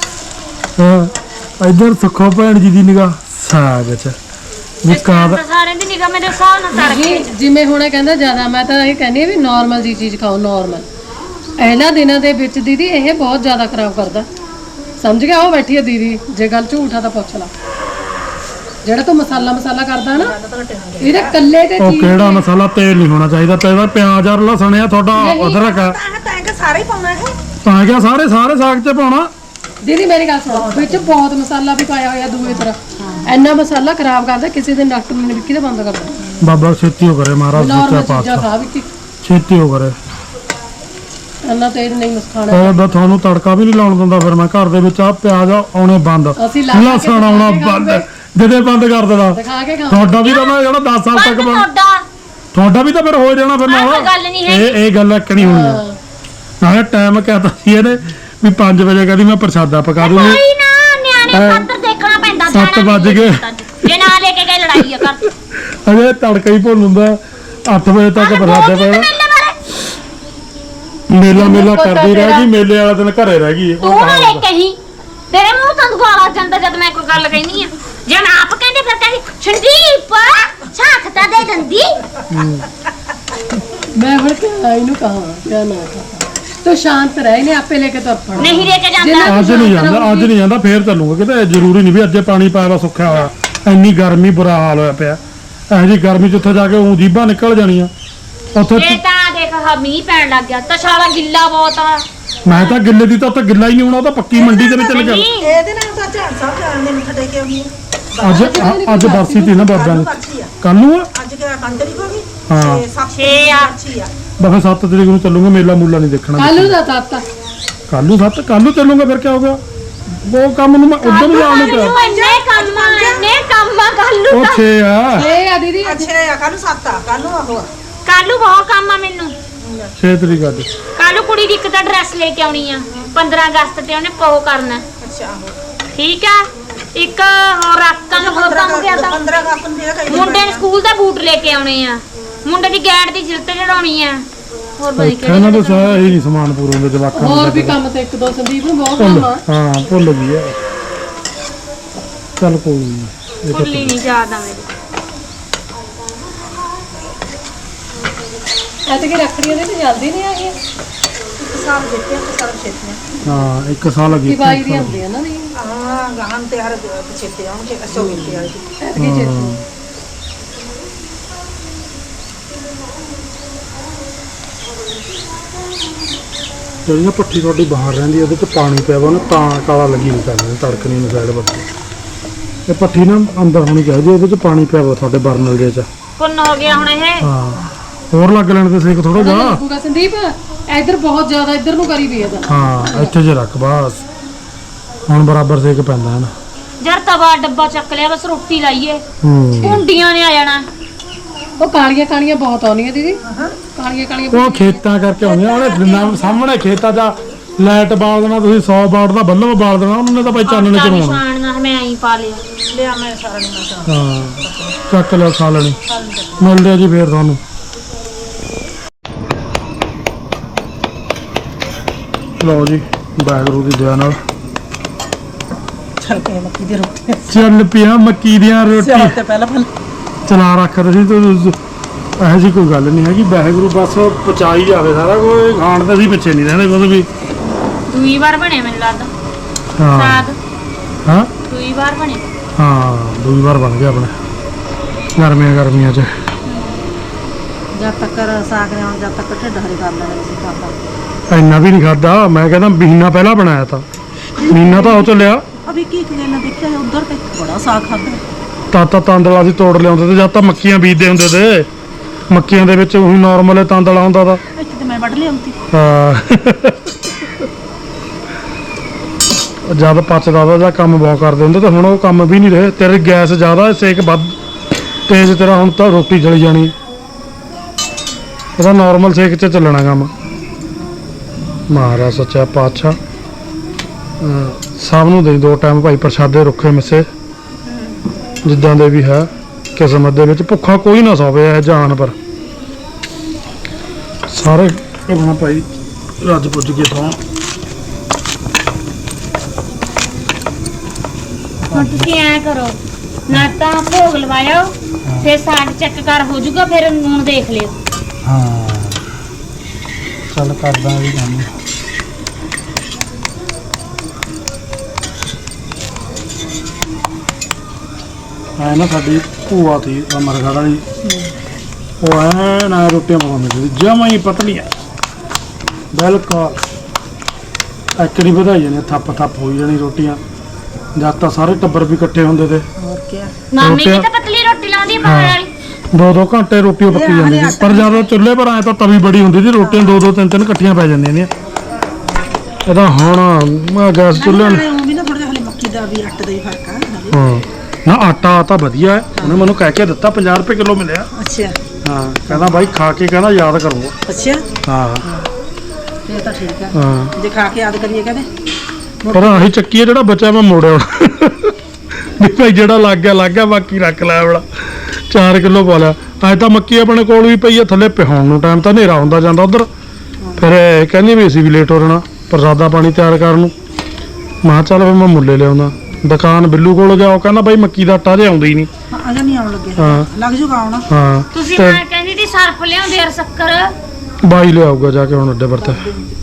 ਹਾਂ ਇੱਧਰ ਸੁੱਖੋ ਭੈਣ ਜੀ ਦੀ ਨਿਗਾਹ ਸਾਗ 'ਚ ਵੀ ਇਸ ਕਾਦ ਤਾਂ ਸਾਰਿਆਂ ਦੀ ਨਿਗਾਹ ਮੇਰੇ ਹਿਸਾਬ ਨਾਲ ਤੜਕੇ ਜੀ ਜਿਵੇਂ ਹੁਣ ਇਹ ਕਹਿੰਦਾ ਜ਼ਿਆਦਾ, ਮੈਂ ਤਾਂ ਇਹ ਕਹਿੰਦੀ ਆ ਵੀ ਨਾਰਮਲ ਜੀ ਚੀਜ਼ ਖਾਓ, ਨਾਰਮਲ। ਇਹਨਾਂ ਦਿਨਾਂ ਦੇ ਵਿੱਚ ਦੀਦੀ ਇਹ ਬਹੁਤ ਜ਼ਿਆਦਾ ਖਰਾਬ ਕਰਦਾ, ਸਮਝ ਗਿਆ? ਉਹ ਬੈਠੀ ਆ ਦੀਦੀ, ਜੇ ਗੱਲ ਝੂਠਾ ਤਾਂ ਪੁੱਛ ਲਾ। ਜਿਹੜਾ ਤੂੰ ਮਸਾਲਾ ਮਸਾਲਾ ਕਰਦਾ ਨਾ, ਇਹਦੇ ਕੱਲੇ ਤੇ ਉਹ ਚੀਜ਼ ਕਿਹੜਾ ਮਸਾਲਾ? ਤੇਲ ਨਹੀਂ ਹੋਣਾ ਚਾਹੀਦਾ, ਤੇ ਪਿਆਜ਼ ਔਰ ਲਸਣ ਆ ਤੁਹਾਡਾ ਅਦਰਕ ਆ, ਤਾਂ ਤਾਂ ਕਿ ਸਾਰੇ ਹੀ ਪਾਉਣਾ ਇਹ ਤਾਂ ਕਿਆ ਸਾਰੇ ਸਾਰੇ ਸਾਗ 'ਚ ਪਾਉਣਾ। ਦੀਦੀ ਮੇਰੀ ਗੱਲ ਸੁਣੋ, ਵਿੱਚ ਬਹੁਤ ਮਸਾਲਾ ਵੀ ਪਾਇਆ ਹੋਇਆ ਦੂਏ ਤਰ੍ਹਾਂ, ਇੰਨਾ ਮਸਾਲਾ ਖਰਾਬ ਕਰਦਾ। ਕਿਸੇ ਦਿਨ ਡਾਕਟਰ ਨੇ ਵਿੱਕੀ ਦਾ ਬੰਦ ਕਰ ਦਿੱਤਾ। ਬਾਬਾ ਛੇਤੀ ਹੋ ਕਰੇ ਮਹਾਰਾਜ ਨਾਰਮਲ ਸੱਚਾ ਚੀਜ਼ਾਂ ਪਾਤਸ਼ਾਹ, ਖਾ ਵਿੱਕੀ, ਛੇਤੀ ਹੋ ਕਰੇ। ਇੰਨਾ ਤੇਜ਼ ਨਹੀਂ ਮਸਖਾਣਾ। ਉਹ ਤਾਂ ਤੁਹਾਨੂੰ ਤੜਕਾ ਵੀ ਨਹੀਂ ਲਾਉਣ ਦਿੰਦਾ, ਫਿਰ ਮੈਂ ਘਰ ਦੇ ਵਿੱਚ ਆ ਪਿਆਜ਼ ਆਉਣੇ ਬੰਦ, ਅਸੀਂ ਲਾ ਕੇ ਲਸਣ ਆਉਣਾ ਦਿਖਾ ਕੇ ਬੰਦ, ਖਾਵਾਂਗੇ। ਜਦੇ ਬੰਦ ਕਰ ਦੇਣਾ। ਦਿਖਾ ਕੇ ਖਾ। ਤੁਹਾਡਾ ਵੀ ਤਾਂ ਮੈਂ ਜਿਹੜਾ ਦਸ ਸਾਲ ਤੱਕ ਬੰਦ ਬਣ- ਤੁਹਾਡਾ ਤੁਹਾਡਾ ਵੀ ਤਾਂ ਫਿਰ ਹੋ ਜਾਣਾ ਫਿਰ ਆਹ ਨਾਲ। ਤਾਂ ਗੱਲ ਨਹੀਂ ਹੈ। ਇਹ ਇਹ ਗੱਲ ਇੱਕ ਨਹੀਂ ਹੋਣੀ ਆ। ਨਾਲੇ ਟਾਈਮ ਕਹਤਾ ਸੀ ਇਹਨੇ ਵੀ ਪੰਜ ਵਜੇ ਕਹਿੰਦੀ ਮੈਂ ਪ੍ਰਸ਼ਾਦਾ ਪਕਾ ਦੂੰਗੀ। ਕੋਈ ਨਾ ਨਿਆਣੇ ਹਾਂ। ਖਾਤਰ ਦੇਖਣਾ ਪੈਂਦਾ। ਸੱਤ ਜਾਣਾ ਵੱਜ ਨਹੀਂ ਗਏ। ਜੇ ਨਾ ਲੈ ਕੇ ਗਏ ਲੜਾਈ ਆ ਕਰ। ਅਜੇ ਤੜਕਾ ਹੀ ਭੁੱਲ ਹੁੰਦਾ, ਅੱਠ ਵਜੇ ਤੱਕ ਪ੍ਰਸ਼ਾਦਾ ਪੈਣਾ। ਮੇਲਾ ਮੇਲਾ ਕਰਦੀ ਰਹਿ ਗਈ, ਮੇਲੇ ਵਾਲਾ ਦਿਨ ਘਰੇ ਰਹਿ ਗਈ। ਉਹ ਤੂੰ ਨਾ ਲੈ ਕਹਾਵਤ। ਕੇ ਹੀ ਤੇਰੇ ਮੂੰਹ ਤੋਂ ਦੁਆਲਾ ਜਾਂਦਾ ਜਦ ਮੈਂ ਕੋਈ ਗੱਲ ਕਹਿੰਦੀ ਆ। ਜੇ ਨਾ ਆਪ ਕਹਿੰਦੇ ਫਿਰ ਕਹਿੰਦੀ ਸੰਦੀਪ ਝਾਕ ਤਾਂ ਦੇ ਦਿੰਦੀ। ਮੈਂ ਹੁਣ ਕਿਹਾ ਇਹਨੂੰ ਕਹਾਂ ਕਿਆ ਨਾ ਕਹਾਂ, ਤੂੰ ਸ਼ਾਂਤ ਰਹਿ, ਇਹਨੇ ਆਪੇ ਲੈ ਕੇ ਤੁਰ ਪਣਾ। ਨਹੀਂ ਲੈ ਕੇ ਜਾਂਦਾ। ਜਿੰਨਾ- ਅੱਜ ਨਹੀਂ ਜਾਂਦਾ, ਅੱਜ ਨਹੀਂ ਜਾਂਦਾ, ਫੇਰ ਚੱਲੂਗਾ ਕਿਤੇ। ਜ਼ਰੂਰੀ ਨਹੀਂ ਵੀ ਅੱਜੇ ਪਾਣੀ ਪਾਇਆ ਵਾ ਸੁੱਕਿਆ ਹੋਇਆ। ਇੰਨੀ ਗਰਮੀ, ਬੁਰਾ ਹਾਲ ਹੋਇਆ ਪਿਆ। ਇਹੋ ਜਿਹੀ ਗਰਮੀ 'ਚ ਉੱਥੇ ਜਾ ਕੇ ਊਂ ਜੀਭਾਂ ਨਿਕਲ ਜਾਣੀਆਂ ਉੱਥੇ। ਇਹ ਤਾਂ ਦੇਖ ਹਾ ਮੀਂਹ ਪੈਣ ਲੱਗ ਗਿਆ, ਤਸ਼ਾਲਾ ਗਿੱਲਾ ਬਹੁਤ ਆ। ਮੈਂ ਤਾਂ ਗਿੱਲੇ ਦੀ ਤਾਂ ਉੱਥੇ ਗਿੱਲਾ ਹੀ ਨਹੀਂ ਹੋਣਾ, ਉਹ ਤਾਂ ਪੱਕੀ ਮੰਡੀ ਦੇ ਵਿੱਚ ਚੱਲ ਗਿਆ। ਨਹੀਂ ਇਹਦੇ ਨਾਲ ਤਾਂ ਝਾੜ ਸਾਹਿਬ ਜਾਣ ਦੇ ਮੱਥਾ ਟੇਕ ਕੇ ਆਉਣੀ ਆ। ਅੱਜ ਅ- ਅੱਜ ਬਰਸੀ ਤੀ ਨਾ ਬਾਬਿਆਂ ਦੀ, ਪਰਚੀ ਆ ਕੱਲ ਨੂੰ ਆ ਅੱਜ ਕਿਹੜਾ ਪੰਜ ਤਰੀਕ ਹੋ ਗਈ ਹਾਂ। ਤੇ ਸੱਤ ਛੇ ਆ। ਪਰਚੀ ਆ। ਬਫੇ ਸੱਤ ਤਰੀਕ ਨੂੰ ਚੱਲੂਗਾ, ਮੇਲਾ ਮੂਲਾ ਨਹੀਂ ਦੇਖਣਾ। ਕੱਲੂ ਦਾ ਤਾਤਾ ਕੱਲ ਨੂੰ ਸੱਤ ਕੱਲ ਨੂੰ ਚੱਲੂਗਾ, ਫਿਰ ਕੀ ਹੋ ਗਿਆ? ਉਹ ਕੰਮ ਨੂੰ ਮੈਂ ਉਧਰ ਨੂੰ ਜਾਣ ਨੂੰ ਪਿਆ। ਤੂੰ ਇੰਨੇ ਕੰਮ ਆ, ਇੰਨੇ ਕੰਮ ਆ ਕੱਲੂ ਉਹ ਤਾਂ। ਛੇ ਆ, ਇਹ ਆ ਦੀਦੀ ਅੱਜ ਅੱਛਾ ਆ ਕੱਲ ਨੂੰ ਸੱਤ ਆ, ਕੱਲ ਨੂੰ ਆਹੋ ਆ। ਕੱਲੂ ਬਹੁਤ ਕੰਮ ਆ ਮੈਨੂੰ। ਛੇ ਤਰੀਕ ਅੱਜ। ਕੱਲੂ ਕੁੜੀ ਦੀ ਇੱਕ ਤਾਂ ਡਰੈਸ ਲੈ ਕੇ ਆਉਣੀ ਆ ਪੰਦਰਾਂ ਅਗਸਤ ਤੇ, ਉਹਨੇ ਪੋ ਕਰਨਾ। ਅੱਛਾ ਆਹੋ ਠੀਕ ਆ। ਇੱਕ ਹੋਰ ਰਾਕਾਂ ਨੂੰ ਹੋਰ ਕੰਮ ਗਿਆ ਤਾਂ ਪੰਦਰਾਂ ਕਾਪ ਨੂੰ ਜਿਹੜਾ ਕਹੀ ਮੁੰਡੇ ਨੇ ਸਕੂਲ ਦੇ ਬੂਟ ਲੈ ਕੇ ਆਉਣੇ ਆ, ਮੁੰਡੇ ਦੀ ਗੈਟ ਦੀ ਜਿਲਤ ਚੜਾਉਣੀ ਆ। ਹੋਰ ਬਈ ਇੱਥੇ ਇਹਨਾਂ ਦੇ ਸਾਰਾ ਹੀ ਨਹੀਂ ਸਮਾਨ ਪੂਰਾ ਹੁੰਦੇ ਜਵਾਕਾਂ ਨੂੰ। ਹੋਰ ਵੀ ਕੰਮ ਤੇ ਇੱਕ ਦੋ ਸੰਦੀਪ ਨੂੰ ਬਹੁਤ ਭੁੱਲ ਕੰਮ ਆ। ਹਾਂ ਭੁੱਲ ਗਈ ਆ। ਚੱਲ ਕੋਈ ਨਹੀਂ, ਇਹ ਤਾਂ ਭੁੱਲੀ ਨਹੀਂ ਯਾਦ ਆ ਮੇਰੀ। ਐਤੇ ਕਿ ਰੱਖੜੀਆਂ ਦੇ ਤੇ ਜਲਦੀ ਨਹੀਂ ਆਈ ਇੱਕ ਸਾਲ ਦੇਖਿਆ ਤੇ ਸਾਲ ਛੇਤੀ ਹਾਂ ਇੱਕ ਸਾਲ ਲੱਗੀ। ਕਿ ਬਾਈ ਦੀ ਹੁੰਦੀ ਆ ਨਾ ਨਹੀਂ ਆ ਗਾਹਾਂ ਤੇ ਹਰ ਛੇਤੀ ਆਉਣਗੇ ਅਸੋ ਗਿੱਤੇ ਵਾਲੀ ਐਤੇ ਕਿ ਚੇਤੀ ਜਿਹੜੀ ਨਾ ਪੱਠੀ ਤੁਹਾਡੀ ਬਾਹਰ ਰਹਿੰਦੀ, ਉਹਦੇ 'ਚ ਪਾਣੀ ਪਿਆ ਵਾ ਨਾ, ਤਾਂ ਕਾਲਾ ਲੱਗੀ ਨਹੀਂ ਕਰਨੀ, ਤੜਕਣੀ ਨੂੰ ਸਾਈਡ ਬੱਤੀ। ਇਹ ਪੱਠੀ ਨਾ ਅੰਦਰ ਹੋਣੀ ਚਾਹੀਦੀ, ਉਹਦੇ 'ਚ ਪਾਣੀ ਪਿਆ ਵਾ ਤੁਹਾਡੇ ਬਰਨਲ ਦੇ 'ਚ। ਪੁੰਨ ਹੋ ਗਿਆ ਹੁਣ ਇਹ। ਹਾਂ ਹੋਰ ਲੱਗ ਲੈਣ ਤੇ ਸੇਕ ਥੋੜਾ ਜਿਹਾ। ਲੱਗੂਗਾ ਸੰਦੀਪ, ਇੱਧਰ ਬਹੁਤ ਜ਼ਿਆਦਾ ਇੱਧਰ ਨੂੰ ਕਰੀ ਵੀ ਇਹਦਾ। ਹਾਂ ਇੱਥੇ ਜੇ ਰੱਖ ਬਸ, ਹੁਣ ਬਰਾਬਰ ਸੇਕ ਪੈਂਦਾ ਹੈ ਨਾ। ਜਰ ਤਵਾ ਡੱਬਾ ਚੱਕ ਲਿਆ, ਬਸ ਰੋਟੀ ਲਾਈਏ। ਹੂੰ ਕੁੰਡੀਆਂ ਨੇ ਆ ਜਾਣਾ। ਉਹ ਕਾਲੀਆਂ ਕਾਲੀਆਂ ਬਹੁਤ ਆਉਂਦੀਆਂ ਦੀਦੀ, ਕਾਲੀਆਂ ਕਾਲੀਆਂ ਉਹ ਖੇਤਾਂ ਕਰਕੇ ਆਉਂਦੀਆਂ, ਉਹਨੇ ਨਾ ਸਾਹਮਣੇ ਖੇਤਾਂ ਦਾ ਲਾਈਟ ਬਾਲ ਦੇਣਾ, ਤੁਸੀਂ ਸੌ ਵਾਟ ਦਾ ਬੱਲਬ ਬਾਲ ਦੇਣਾ, ਉਹਨਾਂ ਨੇ ਤਾਂ ਭਾਈ ਚਾਨਣ ਚ ਰੋਣਾ। ਨਿਸ਼ਾਨੀਆਂ ਮੈਂ ਆਈ ਪਾ ਲਿਆ। ਲਿਆ ਮੈਂ ਸਾਰਾ ਨਹੀਂ ਮੈਂ ਹਾਂ ਚੱਕ ਲਿਆ, ਖਾ ਲੈਣੀ। ਮਿਲਦੇ ਆ ਜੀ ਫੇਰ ਤੁਹਾਨੂੰ। ਲਓ ਜੀ ਵਾਹਿਗੁਰੂ ਦੀ ਦਇਆ ਨਾਲ ਚੱਲ ਕੇ ਮੱਕੀ ਦੀ ਰੋਟੀ ਚੱਲ ਪਿਆ ਮੱਕੀ ਦੀਆਂ ਸਿਆਲ ਰੋਟੀ ਤੇ ਪਹਿਲਾਂ ਪਹਿਲਾਂ ਚਲਾ ਰੱਖ ਰਹੀ ਤੇ ਇਹੋ ਜਿਹੀ ਕੋਈ ਗੱਲ ਨਹੀਂ ਹੈਗੀ। ਵਾਹਿਗੁਰੂ ਬਸ ਪਚਾਈ ਜਾਵੇ ਸਾਰਾ ਕੋਈ, ਖਾਣ ਤੇ ਅਸੀਂ ਪਿੱਛੇ ਨਹੀਂ ਰਹਿੰਦੇ ਕੁਝ ਵੀ। ਦੂਈ ਵਾਰ ਬਣਿਆ ਮੈਨੂੰ ਲੱਗਦਾ ਹਾਂ ਸਾਗ। ਹਾਂ ਦੂਈ ਵਾਰ ਬਣਿਆ। ਹਾਂ ਦੂਜੀ ਵਾਰ ਬਣ ਗਿਆ ਆਪਣੇ ਗਰਮੀਆਂ ਗਰਮੀਆਂ 'ਚ। ਜਦ ਤੱਕ ਸਾਗ ਨੇ ਜਦ ਤੱਕ ਢਿੱਡ ਹਰੇ ਕਰ ਲੈਣਾ ਸੀ ਖਾਦਾ। ਇੰਨਾ ਵੀ ਨਹੀਂ ਖਾਦਾ, ਮੈਂ ਕਹਿੰਦਾ ਮਹੀਨਾ ਪਹਿਲਾਂ ਬਣਾਇਆ ਤਾਂ, ਮਹੀਨਾ ਤਾਂ ਉਹ ਚੱਲਿਆ। ਅਭੀ ਕੀ ਕਿਲੇ ਨਾ ਦੇਖਿਆ ਉਧਰ ਤੇ ਬੜਾ ਸਾਗ ਖਾਦਾ। ਤਾਂ ਤਾਂ ਤਾਂਦਲਾ ਅਸੀਂ ਤੋੜ ਲਿਆਉਂਦੇ ਤੇ, ਜਦ ਤਾਂ ਮੱਕੀਆਂ ਬੀਜਦੇ ਹੁੰਦੇ ਤੇ, ਮੱਕੀਆਂ ਦੇ ਵਿੱਚ ਉਹੀ ਨਾਰਮਲ ਤਾਂਦਲਾ ਹੁੰਦਾ ਤਾਂ। ਇੱਥੇ ਤੇ ਮੈਂ ਵੱਢ ਲਿਆਉਂਦੀ। ਹਾਂ ਜਦ ਪਚਦਾ ਦਾ ਜਾਂ ਕੰਮ ਬਹੁਤ ਕਰਦੇ ਹੁੰਦੇ ਤੇ ਹੁਣ ਉਹ ਕੰਮ ਵੀ ਨਹੀਂ ਰਹੇ। ਤੇਰੇ ਗੈਸ ਜ਼ਿਆਦਾ, ਸੇਕ ਵੱਧ ਤੇਜ਼ ਤੇਰਾ, ਹੁਣ ਤਾਂ ਰੋਟੀ ਜਲੀ ਜਾਣੀ। ਇਹਦਾ ਨਾਰਮਲ ਸੇਕ 'ਚ ਚੱਲਣਾ ਕੰਮ। ਮਹਾਰਾਜ ਸੱਚਾ ਪਾਤਸ਼ਾਹ ਅਹ ਸਭ ਨੂੰ ਦੇ ਦੋ ਟਾਈਮ ਭਾਈ ਪ੍ਰਸ਼ਾਦੇ ਰੁੱਖੇ ਮਿੱਸੇ, ਜਿੱਦਾਂ ਦੇ ਵੀ ਹੈ ਕਿਸਮਤ ਦੇ ਵਿੱਚ। ਭੁੱਖਾ ਕੋਈ ਨਾ ਸੋਵੇ ਇਹ ਜਾਨ ਪਰ, ਸਾਰੇ ਕਰਨਾ ਭਾਈ ਰੱਜ ਪੁੱਜ ਕੇ ਤੋਂ ਹੁਣ ਤੁਸੀਂ ਐ ਕਰੋ ਨਾ ਤਾਂ ਭੋਗ ਲਵਾਇਓ ਫਿਰ ਸਾਗ ਚੈੱਕ ਕਰ ਹੋ ਜਾਊਗਾ ਫਿਰ ਨੂਣ ਦੇਖ ਲਿਓ। ਹਾਂ ਚੱਲ ਕਰਦਾ ਵੀ ਕੰਮ। ਐ ਨਾ ਸਾਡੀ ਭੂਆ ਤੀ ਅਮਰਗੜ੍ਹ ਵਾਲੀ, ਉਹ ਐ ਨਾ ਰੋਟੀਆਂ ਪਕਾਉਂਦੀ ਸੀ ਜਮਾਂ ਹੀ ਪਤਲੀਆਂ ਬਿਲਕੁਲ ਐਕੜੀ ਵਧਾਈ ਜਾਣੀ ਥੱਪ ਥੱਪ ਹੋਈ ਜਾਣੀ ਰੋਟੀਆਂ। ਜਦ ਤਾਂ ਸਾਰੇ ਟੱਬਰ ਵੀ ਇਕੱਠੇ ਹੁੰਦੇ ਤੇ ਹੋਰ ਕੀ ਮਾਮੀ ਵੀ ਰੋਟੀਆਂ- ਤਾਂ ਪਤਲੀ ਰੋਟੀ ਲਾਉਂਦੀ ਆ ਪਕਾਉਣ ਵਾਲੀ। ਦੋ ਦੋ ਘੰਟੇ ਰੋਟੀ ਉਹ ਪੱਕੀ ਜਾਂਦੀ ਸੀ, ਪਰ ਜਦੋਂ ਚੁੱਲ੍ਹੇ ਪਰ ਆਏ ਤਾਂ ਤਵੀ ਬੜੀ ਹੁੰਦੀ ਸੀ, ਰੋਟੀਆਂ ਦੋ ਦੋ ਤਿੰਨ ਤਿੰਨ ਇਕੱਠੀਆਂ ਪੈ ਜਾਂਦੀਆਂ ਨੇ। ਇਹਦਾ ਹੁਣ ਮੈਂ ਗੈਸ ਚੁੱਲ੍ਹੇ ਨੂੰ- ਉਹ ਵੀ ਨਾ ਥੋੜਾ ਜਿਹਾ ਹਲੇ ਮੱਕੀ ਦਾ ਵੀ ਆਟੇ ਦਾ ਹੀ ਫਰਕ ਆ ਹਲੇ। ਹਾਂ ਨਾ ਆਟਾ ਤਾਂ ਵਧੀਆ ਹੈ, ਉਹਨੇ ਮੈਨੂੰ ਕਹਿ ਕੇ ਦਿੱਤਾ ਪੰਜਾਹ ਰੁਪਏ ਕਿਲੋ ਮਿਲਿਆ। ਅੱਛਾ ਹਾਂ ਕਹਿੰਦਾ ਬਾਈ ਖਾ ਕੇ ਕਹਿੰਦਾ ਯਾਦ ਕਰੋ। ਅੱਛਾ ਹਾਂ ਫੇਰ ਤਾਂ ਠੀਕ ਆ, ਹਾਂ ਜੇ ਖਾ ਕੇ ਯਾਦ ਕਰੀਏ ਕਹਿੰਦੇ ਪਰ ਆਹੀ ਚੱਕੀ ਹੈ ਜਿਹੜਾ ਬਚਿਆ ਮੈਂ ਮੋੜਿਆ ਹੁਣ ਵੀ ਭਾਈ ਜਿਹੜਾ ਲੱਗ ਗਿਆ ਲੱਗ ਗਿਆ, ਬਾਕੀ ਰੱਖ ਲਿਆ ਬੜਾ ਚਾਰ ਕਿਲੋ ਪਾ ਲਿਆ। ਅੱਜ ਤਾਂ ਮੱਕੀ ਆਪਣੇ ਕੋਲ ਵੀ ਪਈ ਆ ਥੱਲੇ ਪਿਹਾਉਣ ਨੂੰ, ਟਾਈਮ ਤਾਂ ਹਨੇਰਾ ਹੁੰਦਾ ਜਾਂਦਾ ਉਧਰ। ਫਿਰ ਇਹ ਕਹਿੰਦੀ ਵੀ ਅਸੀਂ ਵੀ ਲੇਟ ਹੋ ਜਾਣਾ ਪ੍ਰਸਾਦਾ ਪਾਣੀ ਤਿਆਰ ਕਰਨ ਨੂੰ। ਮੈਂ ਕਿਹਾ ਚੱਲ ਫਿਰ ਮੈਂ ਮੁੱਲੇ ਲਿਆਉਂਦਾ। ਦੁਕਾਨ ਬਿੱਲੂ ਕੋਲ ਗਿਆ, ਉਹ ਕਹਿੰਦਾ ਬਾਈ ਮੱਕੀ ਦਾ ਆਟਾ ਜੇ ਆਉਂਦਾ ਹੀ ਨਹੀਂ। ਹਾਂ ਅਜਾ ਨਹੀਂ ਆਉਣ ਲੱਗੇ, ਹਾਂ ਲੱਗ ਜੂਗਾ ਆਉਣਾ। ਹਾਂ ਤੁਸੀਂ ਤੇ ਮੈਂ ਕਹਿੰਦੀ ਸੀ ਸਰਫ ਲਿਆਉਂਦੇ ਯਾਰ ਸ਼ੱਕਰ। ਬਾਈ ਲਿਆਊਗਾ ਜਾ ਕੇ ਹੁਣ ਅੱਡੇ ਵਰਤੇ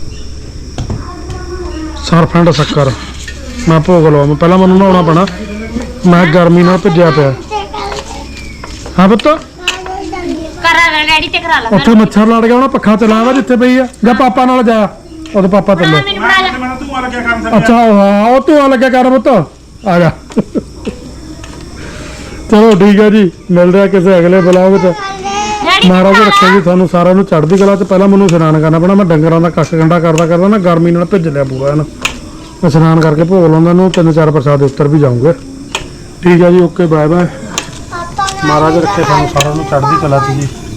ਸਰਫ ਐਂਡ ਸ਼ੱਕਰ। ਮੈਂ ਭੋਗ ਲਵਾਂ ਪਹਿਲਾਂ, ਮੈਨੂੰ ਨਹਾਉਣਾ ਪੈਣਾ, ਮੈਂ ਗਰਮੀ ਨਾਲ ਭਿੱਜਿਆ ਪਿਆ। ਹਾਂ ਪੁੱਤ ਕਰਾ ਲੈ ਡੈਡੀ ਤੇ ਕਰਾ ਲੈ ਉੱਥੇ ਮੱਛਰ ਲੜ ਗਿਆ, ਉਹਨਾਂ ਪੱਖਾ ਚਲਾਇਆ ਵਾ ਜਿੱਥੇ ਪਈ ਆ। ਜਾਂ ਪਾਪਾ ਨਾਲ ਜਾ, ਉਹਦੇ ਪਾਪਾ ਚੱਲੇ। ਮੈਨੂੰ ਬਣਾ ਲੈ। ਮੈਂ ਤੂੰ ਆ ਲੱਗਿਆ ਕੰਮ ਅੱਛਾ ਹਾਂ ਉਹ ਧੂਆ ਲੱਗਿਆ ਕਰ ਪੁੱਤ, ਆ ਜਾ। ਚਲੋ ਠੀਕ ਹੈ ਜੀ, ਮਿਲਦੇ ਆ ਕਿਸੇ ਅਗਲੇ ਬਲੌਗ ਵਿੱਚ। ਡੈਡੀ ਮਹਾਰਾਜ ਬਣਾ ਰੱਖੇ ਲੈ। ਜੀ ਤੁਹਾਨੂੰ ਸਾਰਿਆਂ ਨੂੰ ਚੜ੍ਹਦੀ ਕਲਾ ਚ। ਪਹਿਲਾਂ ਮੈਨੂੰ ਇਸ਼ਨਾਨ ਕਰਨਾ ਪੈਣਾ, ਮੈਂ ਡੰਗਰਾਂ ਦਾ ਕੱਖ ਗੰਡਾ ਕਰਦਾ ਕਰਦਾ ਨਾ ਗਰਮੀ ਨਾਲ ਭਿੱਜ ਲਿਆ ਪੂਰਾ ਇਹਨੂੰ। ਇਸ਼ਨਾਨ ਕਰਕੇ ਭੋਗ ਲਾਉਂਦਾ ਨੂੰ, ਤਿੰਨ ਚਾਰ ਪ੍ਰਸਾਦ ਉੱਤਰ ਵੀ ਜਾਊਂਗੇ। ਠੀਕ ਹੈ ਜੀ, ਓਕੇ ਬਾਏ ਬਾਏ। ਮਹਾਰਾਜ ਰੱਖੇ ਤੁਹਾਨੂੰ ਸਾਰਿਆਂ ਨੂੰ ਚੜ੍ਹਦੀ ਕਲਾ ਚ ਜੀ।